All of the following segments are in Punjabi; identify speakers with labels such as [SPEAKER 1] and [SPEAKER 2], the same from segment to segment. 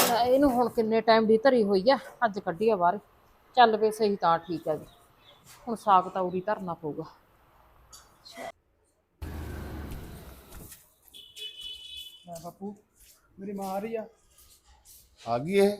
[SPEAKER 1] ਇਹਨੂੰ ਹੁਣ ਕਿੰਨੇ ਟਾਈਮ ਦੀ ਧਰੀ ਹੋਈ ਆ, ਅੱਜ ਕੱਢੀ ਆ ਬਾਹਰ। ਚੱਲ ਵੇ ਸਹੀ ਤਾਂ ਠੀਕ ਹੈ ਜੀ। ਹੁਣ ਸਾਗ ਤਾਂ ਉਰੀ ਧਰਨਾ ਪਊਗਾ।
[SPEAKER 2] ਬਾਪੂ ਮੇਰੀ ਮਾਂ ਆ ਰਹੀ
[SPEAKER 3] ਆ ਗਈ ਇਹ।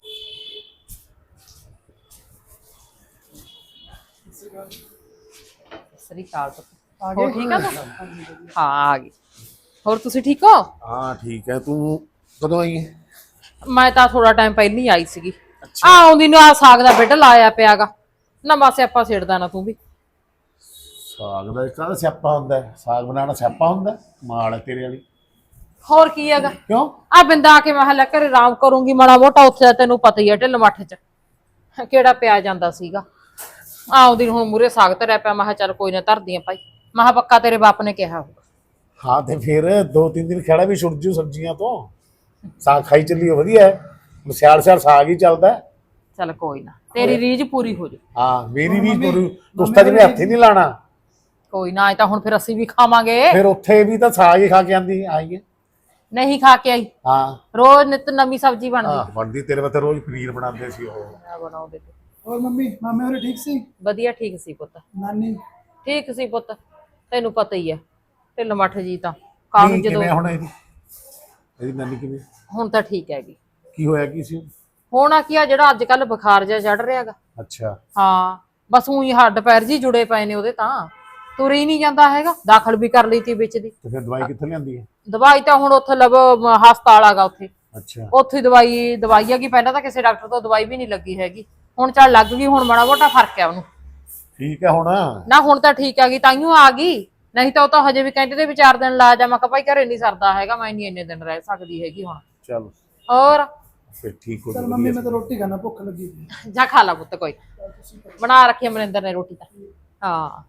[SPEAKER 1] ਸ੍ਰੀ ਅਕਾਲ ਪੁੱਤ।
[SPEAKER 2] ਆ
[SPEAKER 1] ਹੋਰ
[SPEAKER 2] ਗਏ?
[SPEAKER 1] ਠੀਕ ਆ ਤੂੰ? ਹਾਂ ਆ ਗਈ। ਹੋਰ ਤੁਸੀਂ ਠੀਕ ਹੋ?
[SPEAKER 3] ਹਾਂ ਠੀਕ ਹੈ। ਤੂੰ ਕਦੋਂ ਆਈ ਹੈ?
[SPEAKER 1] ਮੈਂ ਤਾਂ ਥੋੜਾ ਟਾਈਮ ਪਹਿਲਾਂ ਹੀ ਆਈ ਸੀਗੀ। ਆਉਂਦੀ ਨੂੰ ਆ ਸਾਗ ਦਾ ਬਿੱਡ ਲਾਇਆ ਪਿਆਗਾ। ਨਵਾਂ ਸਿਆਪਾ ਛੇੜਦਾ ਨਾ ਤੂੰ ਵੀ।
[SPEAKER 3] ਸਾਗ ਦਾ ਕਾਹਦਾ ਸਿਆਪਾ ਹੁੰਦਾ ਹੈ? ਸਾਗ ਬਣਾਉਣਾ ਸਿਆਪਾ ਹੁੰਦਾ ਹੈ? ਮਾਲ ਹੈ ਤੇਰੇ ਵਾਲੀ।
[SPEAKER 1] ਹੋਰ ਕੀ ਹੈਗਾ?
[SPEAKER 3] ਕਿਉਂ?
[SPEAKER 1] ਆ ਬਿੰਦਾ ਆ ਕੇ ਮੈਂ ਹਲੇ ਘਰੇ ਆਰਾਮ ਕਰੂੰਗੀ ਮਾੜਾ ਮੋਟਾ, ਉੱਥੇ ਦਾ ਤੈਨੂੰ ਪਤਾ ਹੀ ਹੈ ਢਿੱਲ ਮੱਠ ਚ ਕਿਹੜਾ ਪਿਆ ਜਾਂਦਾ ਸੀਗਾ। ਆਉਂਦੀ ਨੂੰ ਹੁਣ ਮੂਰੇ ਸਾਗ ਧਰਿਆ ਪਿਆ। ਮੈਂ ਕਿਹਾ ਚੱਲ ਕੋਈ ਨਾ ਧਰਦੀ ਆ ਭਾਈ। ਮੈਂ ਕਿਹਾ ਪੱਕਾ ਤੇਰੇ ਬਾਪ ਨੇ ਕਿਹਾ ਹੋਊਗਾ।
[SPEAKER 3] ਹਾਂ ਤੇ ਫਿਰ 2-3 ਦਿਨ ਖੜਾ ਵੀ ਛੁੱਟ ਜੂ ਸਬਜ਼ੀਆਂ ਤੋਂ। ਸਾਗ ਖਾਈ ਚੱਲੀਓ, ਵਧੀਆ ਹੈ। ਸਿਆਲ ਸਿਆਲ ਸਾਗ ਹੀ ਚੱਲਦਾ ਹੈ।
[SPEAKER 1] ਚੱਲ ਕੋਈ ਨਾ, ਤੇਰੀ ਰੀਝ ਪੂਰੀ ਹੋ ਜੂ।
[SPEAKER 3] ਹਾਂ ਮੇਰੀ ਵੀ ਪੂਰੀ। ਉਸਤਾ ਜਿਵੇਂ ਹੱਥ ਹੀ ਨਹੀਂ ਲਾਣਾ।
[SPEAKER 1] ਕੋਈ ਨਾ, ਇਹ ਤਾਂ ਹੁਣ ਫਿਰ ਅਸੀਂ ਵੀ ਖਾਵਾਂਗੇ।
[SPEAKER 3] ਫਿਰ ਉੱਥੇ ਵੀ ਤਾਂ ਸਾਗ ਹੀ ਖਾ ਕੇ ਆਂਦੀ ਆਈ ਹੈ।
[SPEAKER 1] ਨਹੀਂ ਖਾ ਕੇ ਆਈ।
[SPEAKER 3] ਹਾਂ
[SPEAKER 1] ਰੋਜ਼ ਨਿਤ ਨਵੀਂ ਸਬਜ਼ੀ ਬਣਦੀ।
[SPEAKER 3] ਬਣਦੀ ਤੇਰੇ ਵਾਸਤੇ ਰੋਜ਼ ਪਨੀਰ ਬਣਾਉਂਦੇ ਸੀ ਉਹ।
[SPEAKER 1] ਬਣਾਉਂਦੇ ਤੇ
[SPEAKER 2] ਹੋਰ ਮੰਮੀ ਮਾਮੇ ਹੋਰੇ ਠੀਕ ਸੀ?
[SPEAKER 1] ਵਧੀਆ ਠੀਕ ਸੀ ਪੁੱਤ।
[SPEAKER 2] ਨਾਨੀ
[SPEAKER 1] ਠੀਕ ਸੀ ਪੁੱਤ, ਤੈਨੂੰ ਪਤਾ ਹੀ ਹੈ ਢਿੱਲ ਮੱਠ ਜੀ ਤਾਂ ਕਾਹਨੂੰ
[SPEAKER 3] ਨਹੀਂ,
[SPEAKER 1] ਜਦੋਂ
[SPEAKER 3] ਕਿਵੇਂ ਹੁਣ ਇਹਦੀ ਨਾਨੀ ਕਿਵੇਂ?
[SPEAKER 1] ਹੁਣ ਤਾਂ ਠੀਕ ਹੈਗੀ।
[SPEAKER 3] ਕੀ ਹੋਇਆ ਕੀ ਸੀ?
[SPEAKER 1] ਹੋਣਾ ਕੀ ਆ, ਜਿਹੜਾ ਅੱਜ ਕੱਲ ਬੁਖਾਰ ਜਿਹਾ ਚੜ ਰਿਹਾਗਾ।
[SPEAKER 3] ਅੱਛਾ।
[SPEAKER 1] ਹਾਂ ਬਸ ਉਹੀ ਹੱਡ ਪੈਰ ਜੀ ਜੁੜੇ ਪਏ ਨੇ ਉਹਦੇ, ਤਾਂ ਤੁਰ ਹੀ ਨਹੀਂ ਜਾਂਦਾ ਹੈਗਾ। ਦਾਖਲ ਵੀ ਕਰ ਲਈ ਤੀ ਵਿੱਚ ਦੀ।
[SPEAKER 3] ਤੇ ਫਿਰ ਦਵਾਈ ਕਿੱਥੋਂ ਲਿਆਂਦੀ ਹੈ?
[SPEAKER 1] ਦਵਾਈ ਤਾਂ ਹੁਣ ਉੱਥੇ ਹਸਪਤਾਲ ਆਗਾ ਉੱਥੇ।
[SPEAKER 3] ਅੱਛਾ।
[SPEAKER 1] ਉੱਥੇ ਦਵਾਈ ਹੈਗੀ। ਪਹਿਲਾਂ ਤਾਂ ਕਿਸੇ ਡਾਕਟਰ ਤੋਂ ਦਵਾਈ ਵੀ ਨਹੀਂ ਲੱਗੀ ਹੈਗੀ। ਹੁਣ ਚੱਲ ਲੱਗ ਗਈ। ਹੁਣ ਮਾੜਾ ਮੋਟਾ ਫਰਕ ਹੈ ਉਹਨੂੰ।
[SPEAKER 3] ਠੀਕ ਹੈ ਹੁਣ?
[SPEAKER 1] ਨਾ ਹੁਣ ਤਾਂ ਠੀਕ ਆ ਗਈ, ਤਾਈਓ ਆ ਗਈ। ਨਹੀਂ ਤਾਂ ਉਹ ਤਾਂ ਹਜੇ ਵੀ ਕਹਿੰਦੇ ਤੇ ਵੀ 4 ਦਿਨ ਲਾ ਜਾ। ਮੈਂ ਕਿਹਾ ਭਾਈ ਘਰੇ ਨਹੀਂ ਸਰਦਾ ਹੈਗਾ, ਮੈਂ ਨਹੀਂ ਇੰਨੇ ਦਿਨ ਰਹਿ ਸਕਦੀ ਹੈਗੀ ਹੁਣ।
[SPEAKER 3] ਚਲ
[SPEAKER 1] ਹੋਰ
[SPEAKER 3] ਫਿਰ ਠੀਕ ਹੋ
[SPEAKER 2] ਚਲ ਮੰਮੀ ਮੈਂ ਤਾਂ ਰੋਟੀ ਖਾਣਾ, ਭੁੱਖ ਲੱਗੀ ਸੀ।
[SPEAKER 1] ਜਾ ਖਾ ਲਾ ਪੁੱਤ, ਕੋਈ ਬਣਾ ਰੱਖੀ ਮਨਿੰਦਰ ਨੇ ਰੋਟੀ ਤਾਂ। ਹਾਂ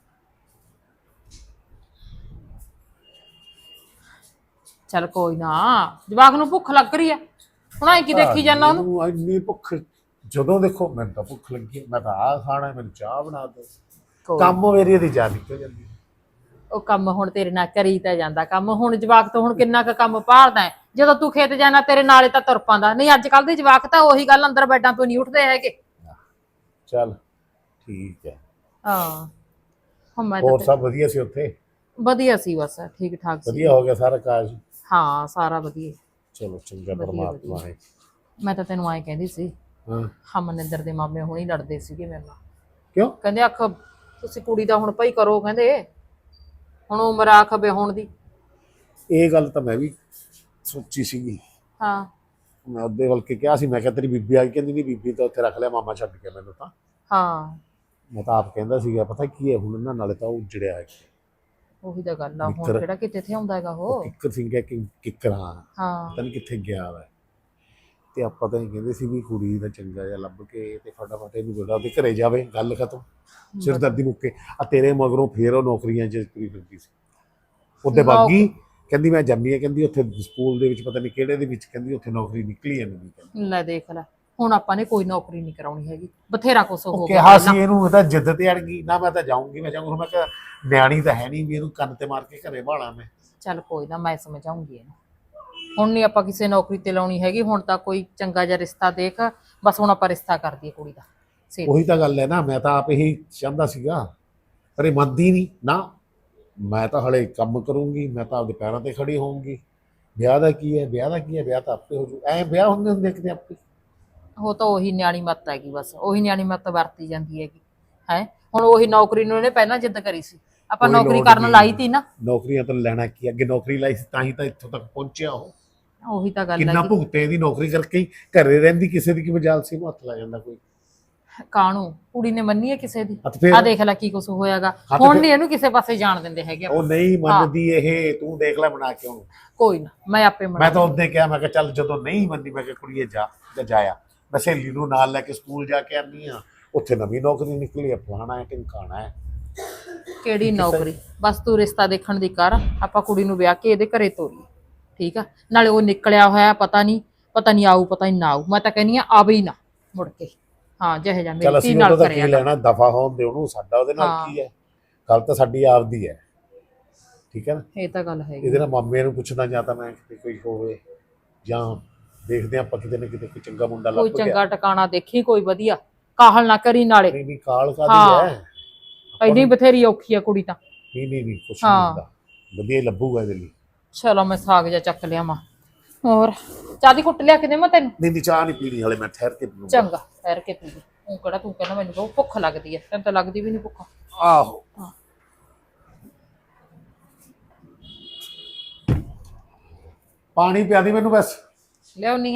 [SPEAKER 1] ਚੱਲ ਕੋਈ ਨਾ, ਜਵਾਕ ਨੂੰ ਭੁੱਖ ਲੱਗ ਰਹੀ ਆ। ਹੁਣ ਐ ਕੀ ਦੇਖੀ ਜਾਂਦਾ ਉਹਨੂੰ?
[SPEAKER 3] ਮੈਨੂੰ ਇੰਨੀ ਭੁੱਖ ਜਦੋਂ ਦੇਖੋ ਮੈਨੂੰ ਤਾਂ ਭੁੱਖ ਲੱਗੀ ਹੈ। ਮੈਂ ਤਾਂ ਆਹ ਖਾਣਾ, ਮੈਨੂੰ ਚਾਹ ਬਣਾ ਦਿਓ। ਕੰਮ ਮੇਰੀ ਦੀ ਜਾਨ ਨਿਕਲ ਜਾਂਦੀ।
[SPEAKER 1] ਉਹ ਕੰਮ ਹੁਣ ਤੇਰੇ ਨਾਲ ਕਰੀ ਤਾਂ ਜਾਂਦਾ ਕੰਮ। ਹੁਣ ਜਵਾਕ ਤੋਂ ਹੁਣ ਕਿੰਨਾ ਕੁ ਕੰਮ ਭਾਲਦਾ ਹੈ। ਜਦੋਂ ਤੂੰ ਖੇਤ ਜਾਣਾ ਤੇਰੇ ਨਾਲੇ ਤਾਂ ਤੁਰ ਪਾਂਦਾ। ਨਹੀਂ ਅੱਜ ਕੱਲ ਦੇ ਜਵਾਕ ਤਾਂ ਉਹੀ ਗੱਲ, ਅੰਦਰ ਬੈਡਾਂ ਤੋਂ ਨਹੀਂ ਉੱਠਦੇ ਹੈਗੇ।
[SPEAKER 3] ਚੱਲ ਠੀਕ ਹੈ।
[SPEAKER 1] ਹਾਂ ਹੁਣ ਮੈਂ
[SPEAKER 3] ਹੋਰ
[SPEAKER 1] ਤਾਂ
[SPEAKER 3] ਸਭ ਵਧੀਆ ਸੀ ਉੱਥੇ?
[SPEAKER 1] ਵਧੀਆ ਸੀ ਬਸ, ਠੀਕ ਠਾਕ ਸੀ।
[SPEAKER 3] ਵਧੀਆ ਹੋ ਗਿਆ ਸਾਰਾ ਕਾਜ?
[SPEAKER 1] ਹਾਂ ਸਾਰਾ ਵਧੀਆ।
[SPEAKER 3] ਚਲੋ ਚੰਗਾ,
[SPEAKER 1] ਵਧੀਆ,
[SPEAKER 3] ਪਰਮਾਤਮਾ ਹੈ।
[SPEAKER 1] ਮੈਂ ਤਾਂ ਤੈਨੂੰ ਐਂ ਕਹਿੰਦੀ ਸੀ,
[SPEAKER 3] ਹਾਂ
[SPEAKER 1] ਮਨਿੰਦਰ ਦੇ ਮਾਮੇ ਹੁਣੀ ਲੜਦੇ ਸੀਗੇ ਮੇਰੇ ਨਾਲ।
[SPEAKER 3] ਕਿਉਂ?
[SPEAKER 1] ਕਹਿੰਦੇ ਆਖ ਤੁਸੀਂ ਕੁੜੀ ਦਾ ਹੁਣ ਭਾਈ ਕਰੋ, ਕਹਿੰਦੇ ਹੁਣ ਉਮਰ ਆਖ ਵਿਆਹੁਣ ਦੀ।
[SPEAKER 3] ਇਹ ਗੱਲ ਤਾਂ ਮੈਂ ਵੀ ਸੋਚੀ ਸੀਗੀ।
[SPEAKER 1] ਹਾਂ
[SPEAKER 3] ਮੈਂ ਉਹਦੇ ਵੱਲ ਕੇ ਕਿਹਾ ਸੀ, ਮੈਂ ਕਿਹਾ ਤੇਰੀ ਬੀਬੀ ਆ ਗਈ। ਕਹਿੰਦੀ ਨਹੀਂ, ਬੀਬੀ ਤਾਂ ਉੱਥੇ ਰੱਖ ਲਿਆ ਮਾਮਾ ਛੱਡ ਕੇ ਮੈਨੂੰ ਤਾਂ।
[SPEAKER 1] ਹਾਂ
[SPEAKER 3] ਮੈਂ ਤਾਂ ਆਪ ਕਹਿੰਦਾ ਸੀਗਾ, ਪਤਾ ਕੀ ਹੈ ਹੁਣ ਇਹਨਾਂ ਨਾਲੇ ਤਾਂ ਉਹ ਉਜੜਿਆ ਹੈ।
[SPEAKER 1] ਉਹੀ ਤਾਂ ਗੱਲ ਆ। ਹੁਣ ਕਿਹੜਾ ਕਿਤੇ ਇੱਥੇ ਆਉਂਦਾ ਹੈਗਾ ਉਹ।
[SPEAKER 3] ਕਿੱਕਰ ਸਿੰਘ ਹੈ ਕਿ ਕਿੱਕਰਾਂ,
[SPEAKER 1] ਹਾਂ
[SPEAKER 3] ਪਤਾ ਨਹੀਂ ਕਿੱਥੇ ਗਿਆ ਵਾ। ਤੇ ਆਪਾਂ ਤਾਂ ਇਹ ਕਹਿੰਦੇ ਸੀ ਵੀ ਕੁੜੀ ਦਾ ਚੰਗਾ ਜਿਹਾ ਲੱਭ ਕੇ ਤੇ ਫਟਾਫਟ ਇਹਨੂੰ ਬੇਟਾ ਉਹਦੇ ਘਰੇ ਜਾਵੇ, ਗੱਲ ਖਤਮ, ਸਿਰਦਰਦੀ ਮੁੱਕੇ। ਆ ਤੇਰੇ ਮਗਰੋਂ ਫੇਰ ਉਹ ਨੌਕਰੀਆਂ 'ਚ ਤੁਰੀ ਫਿਰਦੀ ਸੀ। ਉਹਦੇ ਬਾਗੀ ਕਹਿੰਦੀ ਮੈਂ ਜਾਂਦੀ ਹਾਂ, ਕਹਿੰਦੀ ਉੱਥੇ ਸਕੂਲ ਦੇ ਵਿੱਚ ਪਤਾ ਨਹੀਂ ਕਿਹੜੇ ਦੇ ਵਿੱਚ, ਕਹਿੰਦੀ ਉੱਥੇ ਨੌਕਰੀ ਨਿਕਲੀ ਹੈ ਨਹੀਂ।
[SPEAKER 1] ਲੈ ਦੇਖ ਲੈ, ਹੁਣ ਆਪਾਂ ਨੇ ਕੋਈ ਨੌਕਰੀ ਨਹੀਂ ਕਰਾਉਣੀ ਹੈਗੀ। ਬਥੇਰਾ ਕੁਛ ਹੋ ਗਿਆ।
[SPEAKER 3] ਕਿਹਾ ਸੀ ਇਹਨੂੰ, ਇਹ ਤਾਂ ਜਿੱਦ ਤੇ ਅੜ ਗਈ ਨਾ। ਮੈਂ ਤਾਂ ਜਾਊਂਗੀ, ਮੈਂ ਜਾਊਂਗੀ। ਮੈਂ ਕਿਹਾ ਨਿਆਣੀ ਤਾਂ ਹੈ ਨਹੀਂ ਵੀ ਇਹਨੂੰ ਕੰਨ ਤੇ ਮਾਰ ਕੇ ਘਰੇ ਭਾਲਾਂ ਮੈਂ।
[SPEAKER 1] ਚੱਲ ਕੋਈ ਨਾ, ਮੈਂ ਸਮਝਾਉਂਗੀ ਇਹਨੂੰ। ਹੁਣ ਨਹੀਂ ਆਪਾਂ ਕਿਸੇ ਨੌਕਰੀ ਤੇ ਲਾਉਣੀ ਹੈਗੀ। ਹੁਣ ਤਾਂ ਕੋਈ ਚੰਗਾ ਜਿਹਾ ਰਿਸ਼ਤਾ ਦੇਖ। ਬਸ ਹੁਣ ਆਪਾਂ ਰਿਸ਼ਤਾ ਕਰ ਦਈਏ ਕੁੜੀ ਦਾ।
[SPEAKER 3] ਉਹੀ ਤਾਂ ਗੱਲ ਹੈ ਨਾ, ਮੈਂ ਤਾਂ ਆਪ ਇਹੀ ਚਾਹੁੰਦਾ ਸੀਗਾ, ਪਰ ਇਹ ਮੰਨਦੀ ਨਹੀਂ ਨਾ। ਮੈਂ ਤਾਂ ਹਲੇ ਕੰਮ ਕਰੂੰਗੀ, ਮੈਂ ਤਾਂ ਆਪਦੇ ਪੈਰਾਂ ਤੇ ਖੜੀ ਹੋਊਂਗੀ। ਵਿਆਹ ਦਾ ਕੀ ਹੈ, ਵਿਆਹ ਦਾ ਕੀ ਹੈ, ਵਿਆਹ ਤਾਂ ਆਪੇ ਹੋ ਜੂ। ਐਂ ਵਿਆਹ ਹੁੰਦੇ ਕਿਤੇ ਆਪੇ।
[SPEAKER 1] ਉਹ ਤਾਂ ਉਹੀ ਨਿਆਣੀ ਮੱਤ ਹੈਗੀ, ਬਸ ਉਹੀ ਨਿਆਣੀ ਮੱਤ ਵਰਤੀ ਜਾਂਦੀ ਹੈਗੀ ਹੈ। ਹੁਣ ਉਹੀ ਨੌਕਰੀ ਨੂੰ ਇਹਨੇ ਪਹਿਲਾਂ ਜਿੱਦ ਕਰੀ ਸੀ, ਆਪਾਂ ਨੌਕਰੀ ਕਰਨ ਲਾਈ ਤੀ ਨਾ।
[SPEAKER 3] ਨੌਕਰੀਆਂ ਤਾਂ ਲੈਣਾ ਕੀ, ਅੱਗੇ ਨੌਕਰੀ ਲਾਈ ਸੀ ਤਾਂ ਹੀ ਤਾਂ ਇੱਥੋਂ ਤੱਕ ਪਹੁੰਚਿਆ ਉਹ।
[SPEAKER 1] ਉਹੀ ਤਾਂ ਗੱਲ
[SPEAKER 3] ਕਿੰਨਾ
[SPEAKER 1] ਹੈ।
[SPEAKER 3] ਭੁਗਤੇ ਇਹਦੀ ਨੌਕਰੀ ਕਰਕੇ ਹੀ। ਘਰੇ ਰਹਿੰਦੀ ਕਿਸੇ ਦੀ ਕੀ ਮਜਾਲ ਸੀ, ਉਹਨੂੰ ਹੱਥ ਲਾ ਜਾਂਦਾ ਕੋਈ।
[SPEAKER 1] ਕਾਹਨੂੰ ਕੁੜੀ ਨੇ ਮੰਨੀ ਹੈ ਕਿਸੇ ਦੀ?
[SPEAKER 3] ਫਿਰ
[SPEAKER 1] ਆ ਦੇਖ ਲੈ ਕੀ ਕੁਛ ਹੋਇਆਗਾ। ਹੁਣ ਨਹੀਂ ਇਹਨੂੰ ਕਿਸੇ ਪਾਸੇ ਜਾਣ ਦਿੰਦੇ ਹੈਗੇ।
[SPEAKER 3] ਉਹ ਨਹੀਂ ਮੰਨਦੀ ਇਹ, ਤੂੰ ਦੇਖ ਲੈ ਬਣਾ ਕੇ ਉਹਨੂੰ।
[SPEAKER 1] ਕੋਈ ਨਾ, ਮੈਂ ਆਪੇ
[SPEAKER 3] ਮੈਂ ਤਾਂ ਉਹਦੇ ਕਿਹਾ, ਮੈਂ ਕਿਹਾ ਚੱਲ ਜਦੋਂ ਨਹੀਂ ਮੰਨੀ, ਮੈਂ ਕਿਹਾ ਕੁੜੀਏ ਜਾ ਜਾਇਆ। ਮੈਂ ਸਹੇਲੀ ਨੂੰ ਨਾਲ ਲੈ ਕੇ ਸਕੂਲ ਜਾ ਕੇ ਆਨੀ ਆ, ਉੱਥੇ ਨਵੀਂ ਨੌਕਰੀ ਨਿਕਲੀ ਹੈ, ਫਲਾਣਾ ਹੈ ਢਿਮਕਾਣਾ ਹੈ।
[SPEAKER 1] ਕਿਹੜੀ ਨੌਕਰੀ? ਬਸ ਤੂੰ ਰਿਸ਼ਤਾ ਦੇਖਣ ਦੀ ਕਰ, ਆਪਾਂ ਕੁੜੀ ਨੂੰ ਵਿਆਹ ਕੇ ਇਹਦੇ ਘਰੇ ਤੋਰੀਏ। ਠੀਕ ਆ, ਨਾਲੇ ਉਹ ਨਿਕਲਿਆ ਹੋਇਆ ਪਤਾ ਨਹੀਂ ਆਊ, ਪਤਾ ਨਹੀਂ ਨਾ ਆਊ। ਮੈਂ ਤਾਂ ਕਹਿੰਦੀ ਆ ਆਵੇ ਹੀ ਨਾ ਮੁੜ ਕੇ। ਹਾਂ ਜਿਹੇ ਜਾ ਮੇਰੀ ਧੀ ਨਾਲ ਕਰਿਆ
[SPEAKER 3] ਲੈਣਾ, ਦਫਾ ਹੋਣ ਦੇ ਉਹਨੂੰ। ਸਾਡਾ ਉਹਦੇ ਨਾਲ ਕੀ ਹੈ? ਗੱਲ ਤਾਂ ਸਾਡੀ ਆਪਦੀ ਹੈ, ਠੀਕ ਹੈ ਨਾ।
[SPEAKER 1] ਇਹ ਤਾਂ ਗੱਲ ਹੈ।
[SPEAKER 3] ਇਹਦੇ ਨਾਲ ਮਾਮੇ ਨੂੰ ਪੁੱਛਦਾ, ਜਾਂ ਤਾਂ ਮੈਂ ਕਿਤੇ ਕੋਈ ਹੋਵੇ, ਜਾਂ ਦੇਖਦੇ ਆਪਾਂ ਕਿਤੇ ਨਾ ਕਿਤੇ ਕੋਈ ਚੰਗਾ ਮੁੰਡਾ
[SPEAKER 1] ਕੋਈ
[SPEAKER 3] ਲੱਭ ਗਿਆ।
[SPEAKER 1] ਚੰਗਾ ਟਿਕਾਣਾ ਦੇਖੀ, ਕੋਈ ਵਧੀਆ, ਕਾਹਲ ਨਾ ਕਰੀ ਨਾਲੇ।
[SPEAKER 3] ਨਹੀਂ ਨਹੀਂ ਕਾਲ
[SPEAKER 1] ਹਾਂ।
[SPEAKER 3] ਕਾਦੀ ਹੈ,
[SPEAKER 1] ਐਨੀ ਬਥੇਰੀ ਔਖੀ ਆ ਕੁੜੀ ਤਾਂ।
[SPEAKER 3] ਨਹੀਂ ਕੁਛ
[SPEAKER 1] ਹਾਂ।
[SPEAKER 3] ਨਹੀਂ ਹੁੰਦਾ, ਵਧੀਆ ਹੀ ਲੱਭੂਗਾ ਇਹਦੇ ਲਈ।
[SPEAKER 1] ਚਲੋ ਮੈਂ ਸਾਗ ਜਾ ਚੱਕ ਲਿਆ ਮਾਂ। ਹੋਰ ਚਾਹ ਦੀ ਕੁੱਟ ਲਿਆ ਕੇ ਦੇਵਾਂ ਤੈਨੂੰ?
[SPEAKER 3] ਨਹੀਂ ਚਾਹ ਨਹੀਂ ਪੀਣੀ ਹਲੇ, ਮੈਂ ਠਹਿਰ ਕੇ ਪੀਊਂਗਾ।
[SPEAKER 1] ਚੰਗਾ ਠਹਿਰ ਕੇ ਪੀ ਲਈ। ਉਹ ਕਿਹੜਾ ਤੂੰ ਕਹਿੰਦਾ ਮੈਨੂੰ ਬਹੁਤ ਭੁੱਖ ਲੱਗਦੀ ਐ, ਤੈਨੂੰ ਤਾਂ ਲੱਗਦੀ ਵੀ ਨਹੀਂ ਭੁੱਖ।
[SPEAKER 3] ਆਹੋ
[SPEAKER 1] ਹਾਂ।
[SPEAKER 3] ਪਾਣੀ ਪਿਆ ਦੀ ਮੈਨੂੰ ਬਸ।
[SPEAKER 1] ਲਿਆਉਣੀ ਆ।